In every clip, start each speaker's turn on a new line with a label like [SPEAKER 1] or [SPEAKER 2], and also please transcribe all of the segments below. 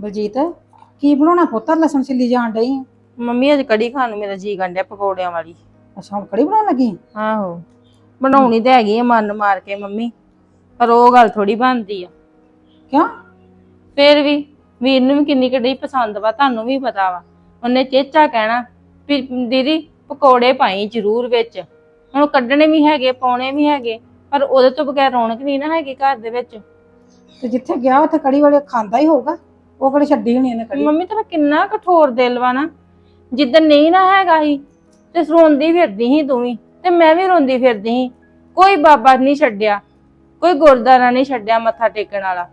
[SPEAKER 1] ਬਲਜੀਤ ਕੀ ਬਣਾਉਣਾ ਪੁੱਤਰ ਲਸਣ ਛਿੱਲੀ ਜਾਣ ਡਈ ਆਂ।
[SPEAKER 2] ਮੰਮੀ ਅੱਜ ਕੜੀ ਖਾਣ ਨੂੰ ਮੇਰਾ ਜੀ ਗੰਡਿਆ ਪਕੌੜਿਆਂ ਵਾਲੀ।
[SPEAKER 1] ਅੱਛਾ ਹੁਣ ਕੜੀ ਬਣਾਉਣ ਲੱਗੀ?
[SPEAKER 2] ਆਹੋ ਬਣਾਉਣੀ ਤੇ ਹੈਗੀ ਆ ਮਨ ਮਾਰ ਕੇ ਮੰਮੀ, ਪਰ ਉਹ ਗੱਲ ਥੋੜੀ ਬਣਦੀ ਆ।
[SPEAKER 1] ਕਿਉਂ?
[SPEAKER 2] ਫੇਰ ਵੀ ਵੀਰ ਨੂੰ ਵੀ ਕਿੰਨੀ ਕੜੀ ਪਸੰਦ ਵਾ, ਤੁਹਾਨੂੰ ਵੀ ਪਤਾ ਵਾ। ਉਹਨੇ ਚੇਚਾ ਕਹਿਣਾ ਵੀ ਦੀਦੀ ਪਕੌੜੇ ਪਾਈ ਜ਼ਰੂਰ ਵਿੱਚ। ਹੁਣ ਕੱਢਣੇ ਵੀ ਹੈਗੇ ਪਾਉਣੇ ਵੀ ਹੈਗੇ, ਪਰ ਉਹਦੇ ਤੋਂ ਬਗੈਰ ਰੌਣਕ ਨਹੀਂ ਨਾ ਹੈਗੀ ਘਰ ਦੇ ਵਿੱਚ।
[SPEAKER 1] ਤੇ ਜਿੱਥੇ ਗਿਆ ਉੱਥੇ ਕੜੀ ਵਾਲੇ ਖਾਂਦਾ ਹੀ ਹੋਊਗਾ, ਉਹ ਕਿਹੜੀ ਛੱਡੀ ਹੋਣੀ ਇਹਨੇ ਕੜੀ।
[SPEAKER 2] ਮੰਮੀ ਤੇਰਾ ਕਿੰਨਾ ਕਠੋਰ ਦਿਲ ਵਾ ਨਾ। ਜਿੱਦਣ ਨਹੀਂ ਨਾ ਹੈਗਾ ਸੀ ਤੇ ਰੋਂਦੀ ਫਿਰਦੀ ਸੀ ਤੂੰ ਵੀ, ਤੇ ਮੈਂ ਵੀ ਰੋਂਦੀ ਫਿਰਦੀ ਸੀ। ਕੋਈ ਬਾਬਾ ਨਹੀਂ ਛੱਡਿਆ, ਕੋਈ ਗੁਰਦੁਆਰਾ ਨਹੀਂ ਛੱਡਿਆ ਮੱਥਾ ਟੇਕਣ ਵਾਲਾ।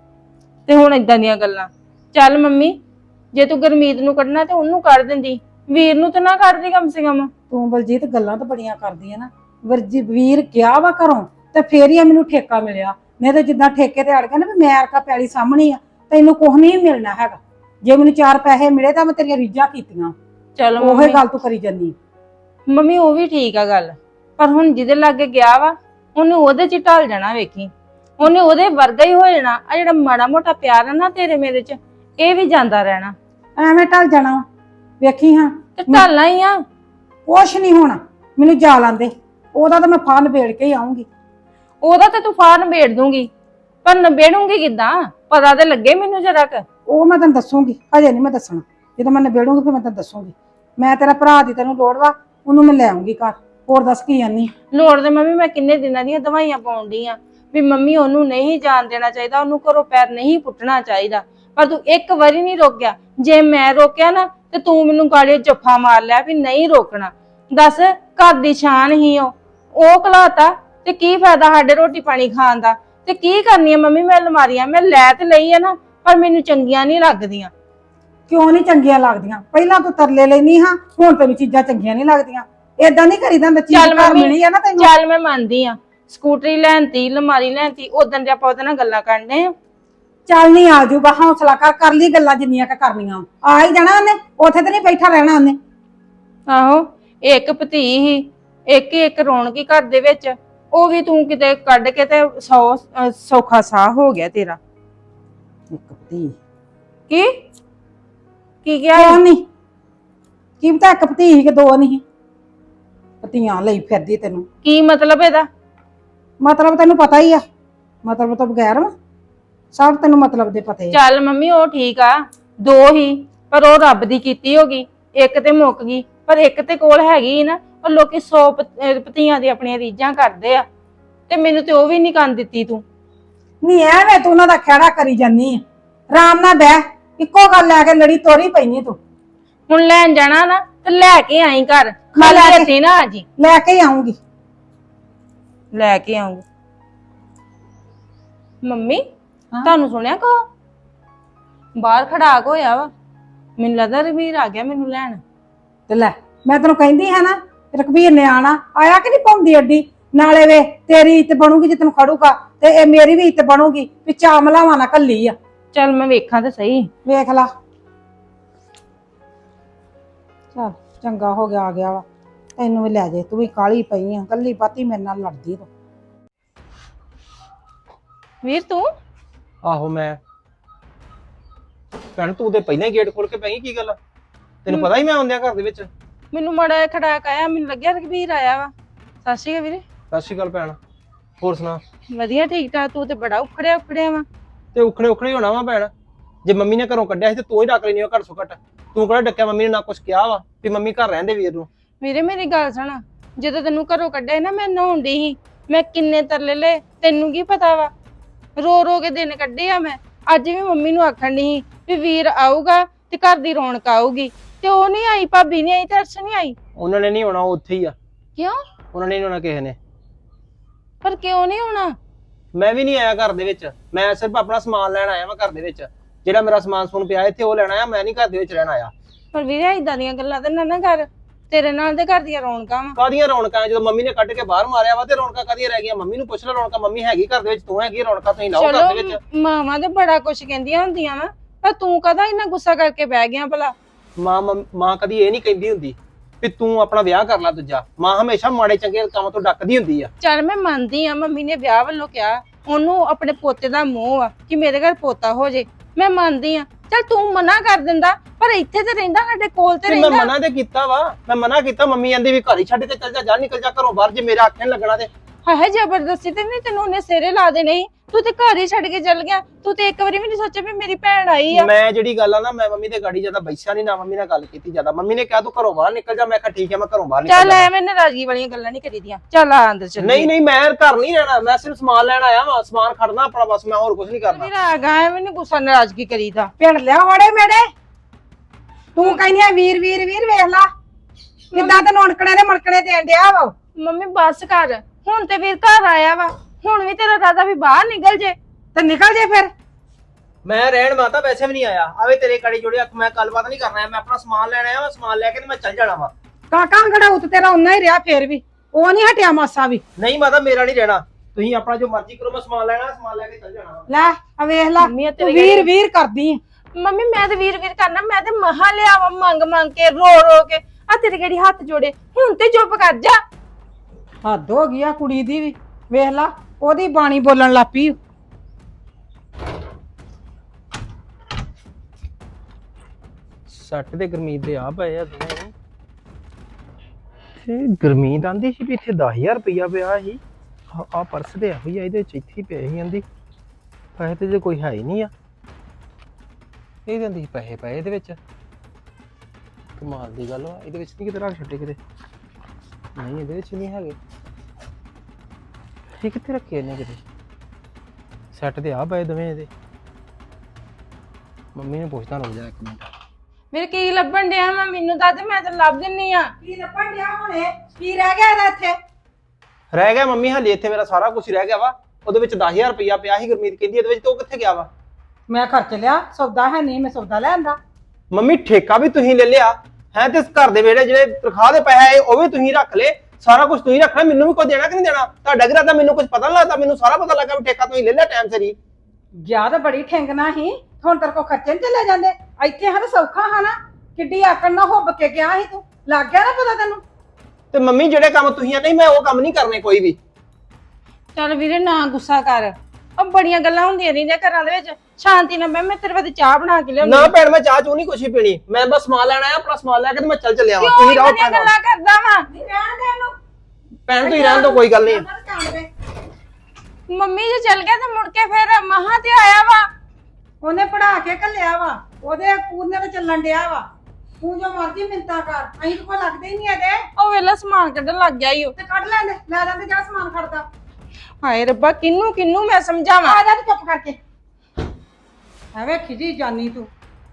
[SPEAKER 2] ਤੇ ਹੁਣ ਏਦਾਂ ਦੀਆਂ ਗੱਲਾਂ। ਚੱਲ ਮੰਮੀ, ਜੇ ਤੂੰ ਗੁਰਮੀਤ ਨੂੰ ਕੱਢਣਾ ਤੇ ਉਹਨੂੰ ਕੱਢ ਦਿੰਦੀ, ਵੀਰ ਨੂੰ ਤਾਂ ਨਾ ਕੱਢਦੀ ਕਮ ਸੇ ਕਮ।
[SPEAKER 1] ਤੂੰ ਬਲਜੀਤ ਗੱਲਾਂ ਤਾਂ ਬੜੀਆਂ ਕਰਦੀ ਆ ਨਾ। ਵੀਰ ਗਿਆ ਵਾ ਘਰੋਂ ਤੇ ਫੇਰ ਹੀ ਮੈਨੂੰ ਠੇਕਾ ਮਿਲਿਆ, ਨਹੀਂ ਤੇ ਜਿੱਦਾਂ ਠੇਕੇ ਤੇ ਅੜ ਗਿਆ ਨਾ ਵੀ ਮੈਂ ਅਰਕਾ ਪੈਲੀ ਸਾਹਮਣੀ ਆ, ਤੈਨੂੰ ਕੁਝ ਨਹੀਂ ਮਿਲਣਾ ਹੈਗਾ। ਜੇ ਮੈਨੂੰ 4 ਪੈਸੇ ਮਿਲੇ ਤਾਂ ਮੈਂ ਤੇਰੀਆਂ ਰੀਝਾਂ ਕੀਤੀਆਂ।
[SPEAKER 2] ਚਲੋ
[SPEAKER 1] ਉਹੀ ਗੱਲ ਤੂੰ ਕਰੀ ਜੰਨੀ।
[SPEAKER 2] ਮੰਮੀ ਉਹ ਵੀ ਠੀਕ ਆ ਗੱਲ, ਪਰ ਹੁਣ ਜਿਹਦੇ ਲਾਗੇ ਗਿਆ ਵਾ ਉਹਨੇ ਉਹਦੇ ਚ ਢਲ ਜਾਣਾ। ਵੇਖੀ ਉਹਨੇ ਉਹਦੇ ਵਰਗਾ ਹੀ ਹੋ ਜਾਣਾ। ਆ ਜਿਹੜਾ ਮਾੜਾ ਮੋਟਾ ਪਿਆਰ ਆ ਨਾ ਤੇਰੇ ਮੇਰੇ ਚ, ਇਹ ਵੀ ਜਾਂਦਾ ਰਹਿਣਾ।
[SPEAKER 1] ਐਵੇਂ ਢਲ ਜਾਣਾ ਵਾ। ਵੇਖੀ ਹਾਂ
[SPEAKER 2] ਤੇ ਢਲਣਾ ਹੀ ਆ।
[SPEAKER 1] ਕੁਛ ਨਹੀਂ ਹੋਣਾ, ਮੈਨੂੰ ਜਾ ਲਾਂਦੇ। ਉਹਦਾ ਤਾਂ ਮੈਂ ਫਾਹ ਨਿਬੇੜ ਕੇ ਹੀ ਆਉਂਗੀ।
[SPEAKER 2] ਉਹਦਾ ਤੇ ਤੂਫਾਨ ਨਿਬੇੜ ਦੂੰਗੀ, ਪਰ ਨਿਬੇੜੂੰਗੀ ਕਿੱਦਾਂ? ਪਤਾ ਤੇ ਲੱਗੇ ਮੈਨੂੰ ਜਰਾ ਕ।
[SPEAKER 1] ਉਹ ਮੈਂ ਤੈਨੂੰ ਦੱਸੂਗੀ, ਹਜੇ ਨਹੀਂ ਮੈਂ ਦੱਸਣਾ। ਜਦੋਂ ਮੈਂ ਨਿਬੇੜੂੰਗੀ ਫਿਰ ਮੈਂ ਤੈਨੂੰ ਦੱਸੂਗੀ। ਮੈਂ ਤੇਰਾ ਭਰਾ ਦੀ ਤੈਨੂੰ ਲੋੜ ਵਾ, ਉਹਨੂੰ ਮੈਂ ਲੈ ਆਉਂਗੀ ਘਰ। ਹੋਰ ਦੱਸ ਕੀ ਆਨੀ?
[SPEAKER 2] ਲੋੜ ਦੇ ਮੰਮੀ ਮੈਂ ਕਿੰਨੇ ਦਿਨਾਂ ਦੀਆਂ ਦਵਾਈਆਂ ਪਾਉਣ ਡਈ ਆ ਵੀ ਮੰਮੀ ਉਹਨੂੰ ਨਹੀਂ ਜਾਣ ਦੇਣਾ ਚਾਹੀਦਾ, ਉਹਨੂੰ ਘਰੋਂ ਪੈਰ ਨਹੀਂ ਪੁੱਟਣਾ ਚਾਹੀਦਾ, ਪਰ ਤੂੰ ਇੱਕ ਵਾਰੀ ਨਹੀਂ ਰੋਕਿਆ। ਜੇ ਮੈਂ ਰੋਕਿਆ ਨਾ ਤੇ ਤੂੰ ਮੈਨੂੰ ਗਾੜੀ ਜੱਫਾ ਮਾਰ ਲਿਆ ਵੀ ਨਹੀਂ ਰੋਕਣਾ। ਦੱਸ, ਘਰ ਦੀ ਸ਼ਾਨ ਹੀ ਉਹ ਘਲਾਤਾ ਤੇ ਕੀ ਫਾਇਦਾ ਸਾਡੇ ਰੋਟੀ ਪਾਣੀ ਖਾਣ ਦਾ? ਤੇ ਕੀ ਕਰਨੀ ਆ ਮੰਮੀ? ਮੈਂ ਅਲਮਾਰੀਆਂ ਮੈਂ ਲੈ ਤੇ ਲਈ ਆ ਨਾ, ਪਰ ਮੈਨੂੰ ਚੰਗੀਆਂ ਨਹੀਂ ਲੱਗਦੀਆਂ।
[SPEAKER 1] ਕਿਉਂ ਨਹੀਂ ਚੰਗੀਆਂ ਲੱਗਦੀਆਂ? ਪਹਿਲਾਂ ਤੂੰ ਤਰਲੇ ਲੈਣੀ ਹਾਂ, ਹੁਣ ਤੈਨੂੰ ਚੀਜ਼ਾਂ ਚੰਗੀਆਂ ਨਹੀਂ ਲੱਗਦੀਆਂ। ਏਦਾਂ ਨਹੀਂ ਕਰੀਦਾ ਹੁੰਦਾ। ਚੀਜ਼ ਘਰ ਮਿਲੀ ਆ ਨਾ ਤੈਨੂੰ।
[SPEAKER 2] ਚੱਲ ਮੈਂ ਮੰਨਦੀ ਆ, ਸਕੂਟਰੀ ਲੈਣਤੀ, ਅਲਮਾਰੀ ਲੈਣਤੀ, ਉਦੋਂ ਦੇ ਆਪਾਂ ਉਹਦੇ ਨਾਲ ਗੱਲਾਂ ਕਰਨੇ ਆ।
[SPEAKER 1] ਚੱਲ ਨਹੀਂ ਆ ਜੂਗਾ, ਹੌਸਲਾ ਕਰ ਲਈ ਗੱਲਾਂ ਜਿੰਨੀਆਂ ਕ ਕਰਨੀਆਂ। ਆ ਹੀ ਜਾਣਾ ਉਹਨੇ, ਉੱਥੇ ਤੇ ਨਹੀਂ ਬੈਠਾ ਰਹਿਣਾ ਉਹਨੇ।
[SPEAKER 2] ਆਹੋ ਇੱਕ ਭਤੀ ਹੀ, ਇੱਕ ਰੌਣਕੀ ਘਰ ਦੇ ਵਿੱਚ, ਉਹ ਵੀ ਤੂੰ ਕਿਤੇ ਕੱਢ ਕੇ ਤੇ ਸੌਖਾ ਸਾਹ ਹੋ ਗਿਆ ਤੇਰਾ।
[SPEAKER 1] ਇੱਕ ਧੀ
[SPEAKER 2] ਕੀ ਕਿਹਾ?
[SPEAKER 1] ਕਿਉਂ ਨਹੀਂ? ਕੀ ਪਤਾ ਇੱਕ ਧੀ ਸੀ ਕਿ 2 ਨਹੀਂ? ਧੀਆਂ ਲਈ ਫਿਰਦੀ ਤੈਨੂੰ।
[SPEAKER 2] ਕੀ ਮਤਲਬ ਇਹਦਾ?
[SPEAKER 1] ਮਤਲਬ ਤੈਨੂੰ ਪਤਾ ਹੀ ਆ, ਮਤਲਬ ਤੋਂ ਬਗੈਰ ਵਾ ਸਭ ਤੈਨੂੰ ਮਤਲਬ ਦੇ ਪਤੇ।
[SPEAKER 2] ਚੱਲ ਮੰਮੀ ਉਹ ਠੀਕ ਆ, 2 ਹੀ, ਪਰ ਉਹ ਰੱਬ ਦੀ ਕੀਤੀ ਹੋਗੀ। ਇੱਕ ਤੇ ਮੁੱਕ ਗਈ, ਪਰ ਇੱਕ ਤੇ ਕੋਲ ਹੈਗੀ ਨਾ। ਉਹ ਲੋਕੀ 100 ਪਤੀਆਂ ਦੀ ਆਪਣੀਆਂ ਰੀਝਾਂ ਕਰਦੇ ਆ, ਤੇ ਮੈਨੂੰ ਤੇ ਉਹ ਵੀ ਨਹੀਂ ਕੰਨ ਦਿੱਤੀ ਤੂੰ।
[SPEAKER 1] ਨਹੀਂ ਐਵੇਂ ਤੂੰ ਉਹਨਾਂ ਦਾ ਖਹਿੜਾ ਕਰੀ ਜਾਨੀ ਆ। ਆਰਾਮ ਨਾਲ ਬਹਿ, ਇੱਕੋ ਗੱਲ ਲੈ ਕੇ ਲੜੀ ਤੋਰੀ ਪਈਨੀ ਤੂੰ।
[SPEAKER 2] ਹੁਣ ਲੈਣ ਜਾਣਾ ਨਾ ਤੇ ਲੈ ਕੇ ਆਈ ਘਰ, ਖਾਲੀ ਹੱਥੀਂ ਨਾ ਆ ਜੀ।
[SPEAKER 1] ਲੈ ਕੇ ਹੀ ਆਉਂਗੀ।
[SPEAKER 2] ਲੈ ਕੇ ਆਉਂਗੀ। ਮੰਮੀ ਤੁਹਾਨੂੰ ਸੁਣਿਆ ਕੋ ਬਾਹਰ ਖੜਾਕ ਹੋਇਆ ਵਾ? ਮੈਨੂੰ ਲੱਗਦਾ ਰਵੀਰ ਆ ਗਿਆ ਮੈਨੂੰ ਲੈਣ।
[SPEAKER 1] ਤੇ ਲੈ, ਮੈਂ ਤੈਨੂੰ ਕਹਿੰਦੀ ਹਾਂ ਨਾ, ਰਘਬੀਰ ਨੇ ਆਣਾ। ਆਇਆ ਕਿ ਨਹੀਂ ਪਾਉਂਦੀ ਅੱਡੀ? ਨਾਲੇ ਵੇ ਤੇਰੀ ਇੱਜ਼ਤ ਬਣੂਗੀ ਜੇ ਤੈਨੂੰ ਖੜੂਗਾ, ਤੇ ਇਹ ਮੇਰੀ ਵੀ ਇੱਜ਼ਤ ਬਣੂਗੀ ਵੀ ਚਾਮਲਾਵਾਂ ਨਾ ਕੱਲੀ ਆ।
[SPEAKER 2] ਚੱਲ ਮੈਂ ਵੇਖਾਂ ਤੇ ਸਹੀ।
[SPEAKER 1] ਵੇਖ ਲਾ। ਚੱਲ ਚੰਗਾ ਹੋ ਗਿਆ, ਆ ਗਿਆ ਵਾ। ਤੈਨੂੰ ਵੀ ਲੈ ਜੇ, ਤੂੰ ਵੀ ਕਾਲੀ ਪਈ ਆ, ਕੱਲੀ ਪਾਤੀ ਮੇਰੇ ਨਾਲ ਲੜਦੀ ਤੂੰ।
[SPEAKER 2] ਵੀਰ ਤੂੰ?
[SPEAKER 3] ਆਹੋ ਮੈਂ। ਭੈਣ ਤੂੰ ਤੇ ਪਹਿਲਾਂ ਹੀ ਗੇਟ ਖੋਲ ਕੇ ਪੈ ਗਈ, ਕੀ ਗੱਲ? ਤੈਨੂੰ ਪਤਾ ਹੀ ਮੈਂ ਆਉਂਦਿਆਂ ਘਰ ਦੇ ਵਿੱਚ।
[SPEAKER 2] ਮੈਨੂੰ ਮਾੜਾ ਖੜਾਕ ਆਇਆ, ਮੈਨੂੰ ਲੱਗਿਆ ਰਘਬੀਰ ਆਇਆ ਵਾ। ਸਤਿ ਸ਼੍ਰੀ ਅਕਾਲ ਵੀਰੇ।
[SPEAKER 3] ਸਤਿ ਸ਼੍ਰੀ ਅਕਾਲ ਭੈਣ, ਹੋਰ ਸੁਣਾ?
[SPEAKER 2] ਵਧੀਆ ਠੀਕ ਠਾਕ। ਤੂੰ ਤੇ ਬੜਾ ਉਖੜਿਆ ਵਾ।
[SPEAKER 3] ਤੇ ਉਖੜੇ ਹੋਣਾ ਵਾ ਭੈਣ। ਜੇ ਮੰਮੀ ਨੇ ਘਰੋਂ ਕੱਢਿਆ ਸੀ ਤੇ ਤੂੰ ਹੀ ਡੱਕ ਲੈਣੀ ਘੱਟ ਸੋ ਘੱਟ। ਤੂੰ ਕਿਹੜਾ ਡੱਕਿਆ? ਮੰਮੀ ਨੇ ਨਾ ਕੁਛ ਕਿਹਾ ਵਾ ਵੀ ਮੰਮੀ ਘਰ ਰਹਿੰਦੇ ਵੀਰ ਨੂੰ।
[SPEAKER 2] ਵੀਰੇ ਮੇਰੀ ਗੱਲ ਸੁਣ, ਜਦੋਂ ਤੈਨੂੰ ਘਰੋਂ ਕੱਢਿਆ ਨਾ, ਮੈਂ ਨਹਾਉਣ ਡਈ ਸੀ। ਮੈਂ ਕਿੰਨੇ ਤਰਲੇ ਲਏ, ਤੈਨੂੰ ਕੀ ਪਤਾ ਵਾ? ਰੋ ਰੋ ਕੇ ਦਿਨ ਕੱਢੇ ਆ ਮੈਂ। ਅੱਜ ਵੀ ਮੰਮੀ ਨੂੰ ਆਖਣ ਡਈ ਵੀ ਵੀਰ ਆਊਗਾ ਤੇ ਘਰ ਦੀ ਰੌਣਕ ਆਊਗੀ, ਤੇ ਉਹ ਨਹੀਂ ਆਈ। ਭਾਬੀ ਨਹੀਂ ਆਈ ਤੇ ਅਰਸ਼ ਨਹੀਂ ਆਈ।
[SPEAKER 3] ਉਹਨਾਂ ਨੇ ਨਹੀਂ ਆਉਣਾ, ਉਹ ਉੱਥੇ ਹੀ ਆ।
[SPEAKER 2] ਕਿਉਂ?
[SPEAKER 3] ਉਹਨਾਂ ਨੇ ਨਹੀਂ ਆਉਣਾ ਕਿਸੇ ਨੇ।
[SPEAKER 2] ਪਰ ਕਿਉਂ ਨਹੀਂ ਆਉਣਾ?
[SPEAKER 3] ਮੈਂ ਵੀ ਨਹੀਂ ਆਇਆ ਘਰ ਦੇ ਵਿੱਚ। ਮੈਂ ਸਿਰਫ ਆਪਣਾ ਸਮਾਨ ਲੈਣ ਆਇਆ ਵਾ ਘਰ ਦੇ ਵਿੱਚ। ਜਿਹੜਾ ਮੇਰਾ ਸਮਾਨ ਸੁਣ ਪਿਆ ਇੱਥੇ ਉਹ ਲੈਣ ਆਇਆ, ਮੈਂ ਨਹੀਂ ਘਰ ਦੇ ਵਿੱਚ ਰਹਿਣ ਆਇਆ।
[SPEAKER 2] ਪਰ ਵੀਰੇ ਇਦਾਂ ਦੀਆਂ ਗੱਲਾਂ ਤੇ ਨਾ ਕਰ। ਤੇਰੇ ਨਾਲ ਦੇ ਘਰ ਦੀਆਂ ਰੌਣਕਾਂ ਵਾ।
[SPEAKER 3] ਕਾਹਦੀਆਂ ਰੌਣਕਾਂ? ਜਦੋਂ ਮੰਮੀ ਨੇ ਕੱਢ ਕੇ ਬਾਹਰ ਮਾਰਿਆ ਵਾ ਤੇ ਰੌਣਕਾਂ ਕਾਹਦੀਆਂ ਰਹਿ ਗਈਆਂ? ਮੰਮੀ ਨੂੰ ਪੁੱਛ ਲੈ, ਰੌਣਕਾਂ ਮੰਮੀ ਹੈਗੀ ਘਰ ਦੇ ਵਿੱਚ, ਤੂੰ ਹੈਗੀ, ਰੌਣਕਾਂ ਤੁਸੀਂ ਲਾਓ ਘਰ ਦੇ ਵਿੱਚ।
[SPEAKER 2] ਮਾਵਾਂ ਤੇ ਬੜਾ ਕੁਛ ਕਹਿੰਦੀਆਂ ਹੁੰਦੀਆਂ ਵਾ, ਪਰ ਤੂੰ ਕਦਾ ਇੰਨਾ ਗੁੱਸਾ ਕਰਕੇ ਬਹਿ ਗਿਆ ਭਲਾ?
[SPEAKER 3] ਮਾਂ ਕਦੀ ਇਹ ਨਹੀਂ ਕਹਿੰਦੀ ਹੁੰਦੀ ਵੀ ਤੂੰ ਆਪਣਾ ਵਿਆਹ ਕਰ ਲੈ ਦੂਜਾ। ਮਾਂ ਹਮੇਸ਼ਾ ਮਾੜੇ ਚੰਗੇ ਕੰਮ ਤੋਂ ਡੱਕਦੀ ਹੁੰਦੀ ਆ।
[SPEAKER 2] ਚੱਲ ਮੈਂ ਮੰਨਦੀ ਆ, ਮੰਮੀ ਨੇ ਵਿਆਹ ਵੱਲੋਂ ਕਿਹਾ, ਉਹਨੂੰ ਆਪਣੇ ਪੋਤੇ ਦਾ ਮੋਹ ਆ ਕਿ ਮੇਰੇ ਘਰ ਪੋਤਾ ਹੋ ਜੇ। ਮੈਂ ਮੰਨਦੀ ਆ, ਚੱਲ ਤੂੰ ਮਨਾ ਕਰ ਦਿੰਦਾ, ਪਰ ਇੱਥੇ ਤੇ ਰਹਿੰਦਾ, ਸਾਡੇ ਕੋਲ ਤੇ
[SPEAKER 3] ਤੇ ਮੈਂ
[SPEAKER 2] ਰਹਿੰਦਾ।
[SPEAKER 3] ਮਨਾ ਤੇ ਕੀਤਾ ਵਾ, ਮੈਂ ਮਨਾ ਕੀਤਾ, ਮੰਮੀ ਕਹਿੰਦੀ ਵੀ ਘਰ ਹੀ ਛੱਡ ਕੇ ਚੱਲ ਜਾ, ਜਾ ਨਿਕਲ ਜਾ ਘਰੋਂ ਬਾਹਰ, ਜੇ ਮੇਰਾ ਆਖੇ ਨੀ ਲੱਗਣਾ ਤੇ।
[SPEAKER 2] ਹਾਏ ਜ਼ਬਰਦਸਤੀ ਤੇ ਨਹੀਂ, ਤੈਨੂੰ ਉਹਨੇ ਸਿਰੇ ਲਾ ਦੇਣੇ ਸੀ, ਤੂੰ ਤੇ ਘਰ ਹੀ ਛੱਡ ਕੇ ਚੱਲ ਗਿਆ। ਤੂੰ ਤੇ ਇੱਕ ਵਾਰੀ ਵੀ ਨਹੀਂ ਸੋਚਿਆ ਵੀ ਮੇਰੀ ਭੈਣ ਆਈ ਆ।
[SPEAKER 3] ਮੈਂ ਜਿਹੜੀ ਗੱਲ ਆ ਨਾ, ਮੈਂ ਮੰਮੀ ਦੇ ਗਾੜੀ ਜਿਆਦਾ ਬੈਠਾ ਨਹੀਂ, ਨਾ ਮੰਮੀ ਨਾਲ ਗੱਲ ਕੀਤੀ ਜਿਆਦਾ। ਮੰਮੀ ਨੇ ਕਿਹਾ ਤੂੰ ਘਰੋਂ ਬਾਹਰ ਨਿਕਲ ਜਾ, ਮੈਂ ਕਿਹਾ ਠੀਕ ਹੈ ਮੈਂ ਘਰੋਂ ਬਾਹਰ ਨਿਕਲ
[SPEAKER 2] ਚੱਲ
[SPEAKER 3] ਜਾ।
[SPEAKER 2] ਐਵੇਂ ਨਾਰਾਜ਼ਗੀ ਵਾਲੀਆਂ ਗੱਲਾਂ ਨਹੀਂ ਕਰੀਦੀਆਂ, ਚੱਲ ਆ ਅੰਦਰ ਚੱਲ।
[SPEAKER 3] ਨਹੀਂ ਨਹੀਂ, ਮੈਂ ਘਰ ਨਹੀਂ ਰਹਿਣਾ, ਮੈਂ ਸਿਰਫ ਸਮਾਨ ਲੈਣ ਆਇਆ ਵਾਂ, ਸਮਾਨ ਖੜਨਾ ਆਪਣਾ ਬਸ, ਮੈਂ ਹੋਰ ਕੁਝ ਨਹੀਂ ਕਰਨਾ।
[SPEAKER 2] ਮੇਰਾ ਹੈਗਾ ਐਵੇਂ ਨੀ ਗੁੱਸਾ ਨਾਰਾਜ਼ਗੀ ਕਰੀਦਾ।
[SPEAKER 1] ਭਿੜ ਲਿਆ ਹੋੜੇ ਮੇੜੇ, ਤੂੰ ਕਹਿੰਦੀ ਆ ਵੀਰ ਵੀਰ ਵੀਰ, ਵੇਖ ਲਾ ਕਿੱਦਾਂ ਤੇ ਨੌਣਕਣੇ ਦੇ ਮਣਕਣੇ ਦੇਣ ਡਿਆ ਵਾ।
[SPEAKER 2] ਮੰਮੀ ਬੱਸ ਕਰ, ਹੁਣ ਤੇ ਵੀਰ ਘਰ ਆਇਆ ਵਾ, ਹੁਣ ਵੀ ਤੇਰਾ ਦਾਦਾ ਵੀ ਬਾਹਰ ਨਿਕਲ ਜੇ
[SPEAKER 1] ਤੇ ਨਿਕਲ ਜੇ ਫਿਰ।
[SPEAKER 3] ਮੈਂ ਰਹਿਣ ਮਾਤਾ ਵੈਸੇ ਵੀ ਨਹੀਂ ਆਇਆ, ਆਵੇ ਤੇਰੇ ਕੜੀ ਜੋੜੇ ਹੱਥ, ਮੈਂ ਗੱਲਬਾਤ ਨਹੀਂ ਕਰਨਾ, ਮੈਂ ਆਪਣਾ ਸਮਾਨ ਲੈਣ ਆਇਆ ਵਾਂ, ਸਮਾਨ ਲੈ ਕੇ ਤੇ ਮੈਂ ਚੱਲ ਜਾਣਾ ਵਾ।
[SPEAKER 1] ਕਾਕਾ ਅੰਗੜਾ ਉਤ ਤੇਰਾ ਉਨਾ ਹੀ ਰਿਹਾ, ਫੇਰ ਵੀ ਉਹ ਨਹੀਂ ਹਟਿਆ ਮਾਸਾ ਵੀ।
[SPEAKER 3] ਨਹੀਂ ਮਾਤਾ, ਮੇਰਾ ਨਹੀਂ ਰਹਿਣਾ, ਤੁਸੀਂ ਆਪਣਾ ਜੋ ਮਰਜ਼ੀ ਕਰੋ, ਮੈਂ ਸਮਾਨ ਲੈਣਾ, ਸਮਾਨ ਲੈ ਕੇ ਚੱਲ ਜਾਣਾ ਵਾ।
[SPEAKER 1] ਲੈ ਆ ਵੇਖ ਲਾ,
[SPEAKER 2] ਮੰਮੀ,
[SPEAKER 1] ਤੂੰ ਵੀਰ ਵੀਰ ਕਰਦੀ ਆ।
[SPEAKER 2] ਮੰਮੀ ਮੈਂ ਤੇ ਵੀਰ ਵੀਰ ਕਰਨਾ, ਮੈਂ ਤੇ ਮਹਾ ਲਿਆਵਾ ਮੰਗ ਮੰਗ ਕੇ, ਰੋ ਰੋ ਕੇ। ਆ ਤੇਰੇ ਕਿਹੜੀ ਹੱਥ ਜੋੜੇ, ਹੁਣ ਤੇ ਚੁੱਪ ਕਰ ਜਾ।
[SPEAKER 1] ਹੱਦ ਹੋ ਗਈ ਆ ਕੁੜੀ ਦੀ ਵੀ, ਵੇਖ ਲਾ ਉਹਦੀ ਬਾਣੀ ਬੋਲਣ ਲੱਗ ਪਈ।
[SPEAKER 3] ਸੱਟ ਦੇ ਗੁਰਮੀਤ ਦੇ ਆ ਪਏ ਆ ਦੋਵੇਂ। ਤੇ ਗੁਰਮੀਤ ਆਂਦੀ ਸੀ ਵੀ ਇੱਥੇ 10,000 ਰੁਪਇਆ ਪਿਆ ਸੀ, ਆ ਪਰਸ ਤੇ ਇਹੋ ਹੀ ਆ, ਇਹਦੇ ਵਿੱਚ ਇੱਥੇ ਹੀ ਪਏ ਸੀ। ਆਂਦੀ ਪੈਸੇ ਤੇ ਜੇ ਕੋਈ ਹੈ ਹੀ ਨਹੀਂ ਆ, ਇਹ ਕਹਿੰਦੀ ਪੈਸੇ ਪਏ ਇਹਦੇ ਵਿੱਚ। ਕਮਾਲ ਦੀ ਗੱਲ ਵਾ, ਇਹਦੇ ਵਿੱਚ ਨਹੀਂ ਕਿਤੇ ਰੱਖ ਛੱਡੇ ਕਿਤੇ, ਨਹੀਂ ਇਹਦੇ ਵਿੱਚ ਨਹੀਂ ਹੈਗੇ। ਇਹ ਕਿੱਥੇ ਰੱਖੇ ਇਹਨੇ ਕਿਤੇ? ਸੈੱਟ ਤੇ ਆ ਪਏ ਦੋਵੇਂ ਇਹਦੇ। ਮੰਮੀ ਨੂੰ ਪੁੱਛਦਾ, ਰੁਕ ਜਾ ਇੱਕ ਮਿੰਟ।
[SPEAKER 2] ਮੇਰੇ ਕੀ ਲੱਭਣ ਡਿਆ ਵਾ, ਮੈਨੂੰ ਦੱਸ, ਮੈਂ ਤਾਂ ਲੱਭ ਦਿੰਨੀ ਆ।
[SPEAKER 1] ਕੀ ਲੱਭਣ ਡਿਆ ਹੁਣੇ? ਕੀ ਰਹਿ ਗਿਆ ਇਹਦਾ ਇੱਥੇ?
[SPEAKER 3] ਰਹਿ ਗਿਆ ਮੰਮੀ, ਹਾਲੇ ਇੱਥੇ ਮੇਰਾ ਸਾਰਾ ਕੁਝ ਰਹਿ ਗਿਆ ਵਾ। ਉਹਦੇ ਵਿੱਚ 10,000 ਰੁਪਇਆ ਪਿਆ ਸੀ, ਗੁਰਮੀਤ ਕਹਿੰਦੀ ਇਹਦੇ ਵਿੱਚ, ਤੇ ਉਹ ਕਿੱਥੇ ਗਿਆ ਵਾ?
[SPEAKER 1] ਮੈਂ ਖਰਚ ਲਿਆ, ਸੌਦਾ ਹੈ ਨਹੀਂ, ਮੈਂ ਸੌਦਾ ਲੈ ਆਂਦਾ।
[SPEAKER 3] ਮੰਮੀ ਠੇਕਾ ਵੀ ਤੁਸੀਂ ਲੈ ਲਿਆ ਹੈ, ਤੇ ਘਰ ਦੇ ਵੇੜੇ ਜਿਹੜੇ ਤਨਖਾਹ ਦੇ ਪੈਸੇ ਆਏ ਉਹ ਵੀ ਤੁਸੀਂ ਰੱਖ ਲਏ, ਸਾਰਾ ਕੁਝ ਤੁਸੀਂ ਰੱਖਣਾ, ਮੈਨੂੰ ਵੀ ਕੋਈ ਦੇਣਾ ਕਿ ਨਹੀਂ ਦੇਣਾ? ਤੁਹਾਡਾ ਘਰ ਦਾ ਮੈਨੂੰ ਕੁਝ ਪਤਾ ਨਹੀਂ ਲੱਗਦਾ, ਮੈਨੂੰ ਸਾਰਾ ਪਤਾ ਲੱਗਾ ਵੀ ਠੇਕਾ ਤੁਸੀਂ ਲੈ ਲਿਆ ਟਾਈਮ ਸਿਰ ਹੀ।
[SPEAKER 1] ਗਿਆ ਤਾਂ ਬੜੀ ਠਿੰਗਣਾ ਸੀ, ਹੁਣ ਤੇਰੇ ਕੋ ਖਰਚੇ ਨੀ ਚਲੇ ਜਾਂਦੇ। ਇੱਥੇ ਹਾਂ ਸੌਖਾ ਹਾਂ ਨਾ, ਕਿੱਡੀ ਆਕੜ ਨਾ ਹੁੱਬ ਕੇ ਗਿਆ ਸੀ ਤੂੰ, ਲੱਗ ਗਿਆ ਨਾ ਪਤਾ ਤੈਨੂੰ?
[SPEAKER 3] ਤੇ ਮੰਮੀ ਜਿਹੜੇ ਕੰਮ ਤੁਸੀਂ ਆ, ਨਹੀਂ ਮੈਂ ਉਹ ਕੰਮ ਨਹੀਂ ਕਰਨੇ ਕੋਈ ਵੀ।
[SPEAKER 2] ਚੱਲ ਵੀਰੇ ਨਾ ਗੁੱਸਾ ਕਰ, ਉਹ ਬੜੀਆਂ ਗੱਲਾਂ ਹੁੰਦੀਆਂ ਰਹਿੰਦੀਆਂ ਘਰਾਂ ਦੇ ਵਿੱਚ, ਸ਼ਾਂਤੀ ਨਾਲ ਮੈਂ ਤੇਰੇ ਵਾਸਤੇ ਚਾਹ ਬਣਾ ਕੇ ਲਿਆਉਂਦੀ।
[SPEAKER 3] ਨਾ ਭੈਣ, ਮੈਂ ਚਾਹ ਚੂ ਨਹੀਂ ਕੁਛ ਹੀ ਪੀਣੀ, ਮੈਂ ਬਸ ਸਮਾਨ ਲੈਣ ਆਇਆ, ਆਪਣਾ ਸਮਾਨ ਲੈ ਕੇ ਤੇ ਮੈਂ ਚੱਲ ਚੱਲਿਆ ਵਾ।
[SPEAKER 2] ਕਿਉਂ
[SPEAKER 3] ਤੁਸੀਂ ਰਹੋ
[SPEAKER 2] ਇੰਨੀਆਂ ਗੱਲਾਂ ਕਰਦਾ ਵਾ?
[SPEAKER 1] ਨਹੀਂ ਰਹਿਣ ਦੇ ਇਹਨੂੰ,
[SPEAKER 3] ਭੈਣ, ਤੁਸੀਂ ਰਹਿਣ ਦਿਓ, ਕੋਈ ਗੱਲ ਨਹੀਂ।
[SPEAKER 2] ਮੰਮੀ ਜੇ ਚੱਲ ਗਿਆ ਤੇ ਮੁੜ ਕੇ ਫਿਰ ਮਹਾ ਤੇ ਆਇਆ ਵਾ।
[SPEAKER 1] ਉਹਨੇ ਪੜਾ ਕੇ ਘੱਲਿਆ ਵਾ, ਉਹਦੇ ਪੂਰਨੇ ਤੇ ਚੱਲਣ ਡਿਆ ਵਾ। ਤੂੰ ਜੋ ਮਰਜ਼ੀ ਮਿੰਤਾ ਕਰ, ਅਸੀਂ ਕੋ ਲੱਗਦੇ ਹੀ ਨਹੀਂ ਇਹਦੇ।
[SPEAKER 2] ਉਹ ਵੇਲਾ ਸਮਾਨ ਕੱਢਣ ਲੱਗ ਗਿਆ ਈ ਉਹ।
[SPEAKER 1] ਤੇ ਕੱਢ ਲੈਂਦੇ, ਲੈ ਜਾਂਦੇ ਜਿਹੜਾ ਸਮਾਨ ਖੜਦਾ।
[SPEAKER 2] ਹਾਏ ਰੱਬਾ, ਕਿੰਨੂੰ ਕਿੰਨੂੰ ਮੈਂ ਸਮਝਾਵਾਂ?
[SPEAKER 1] ਆ ਜਾ ਤੂੰ ਚੁੱਪ ਕਰਕੇ, ਐਵੇਂ ਖਿਜੀ ਜਾਨੀ ਤੂੰ।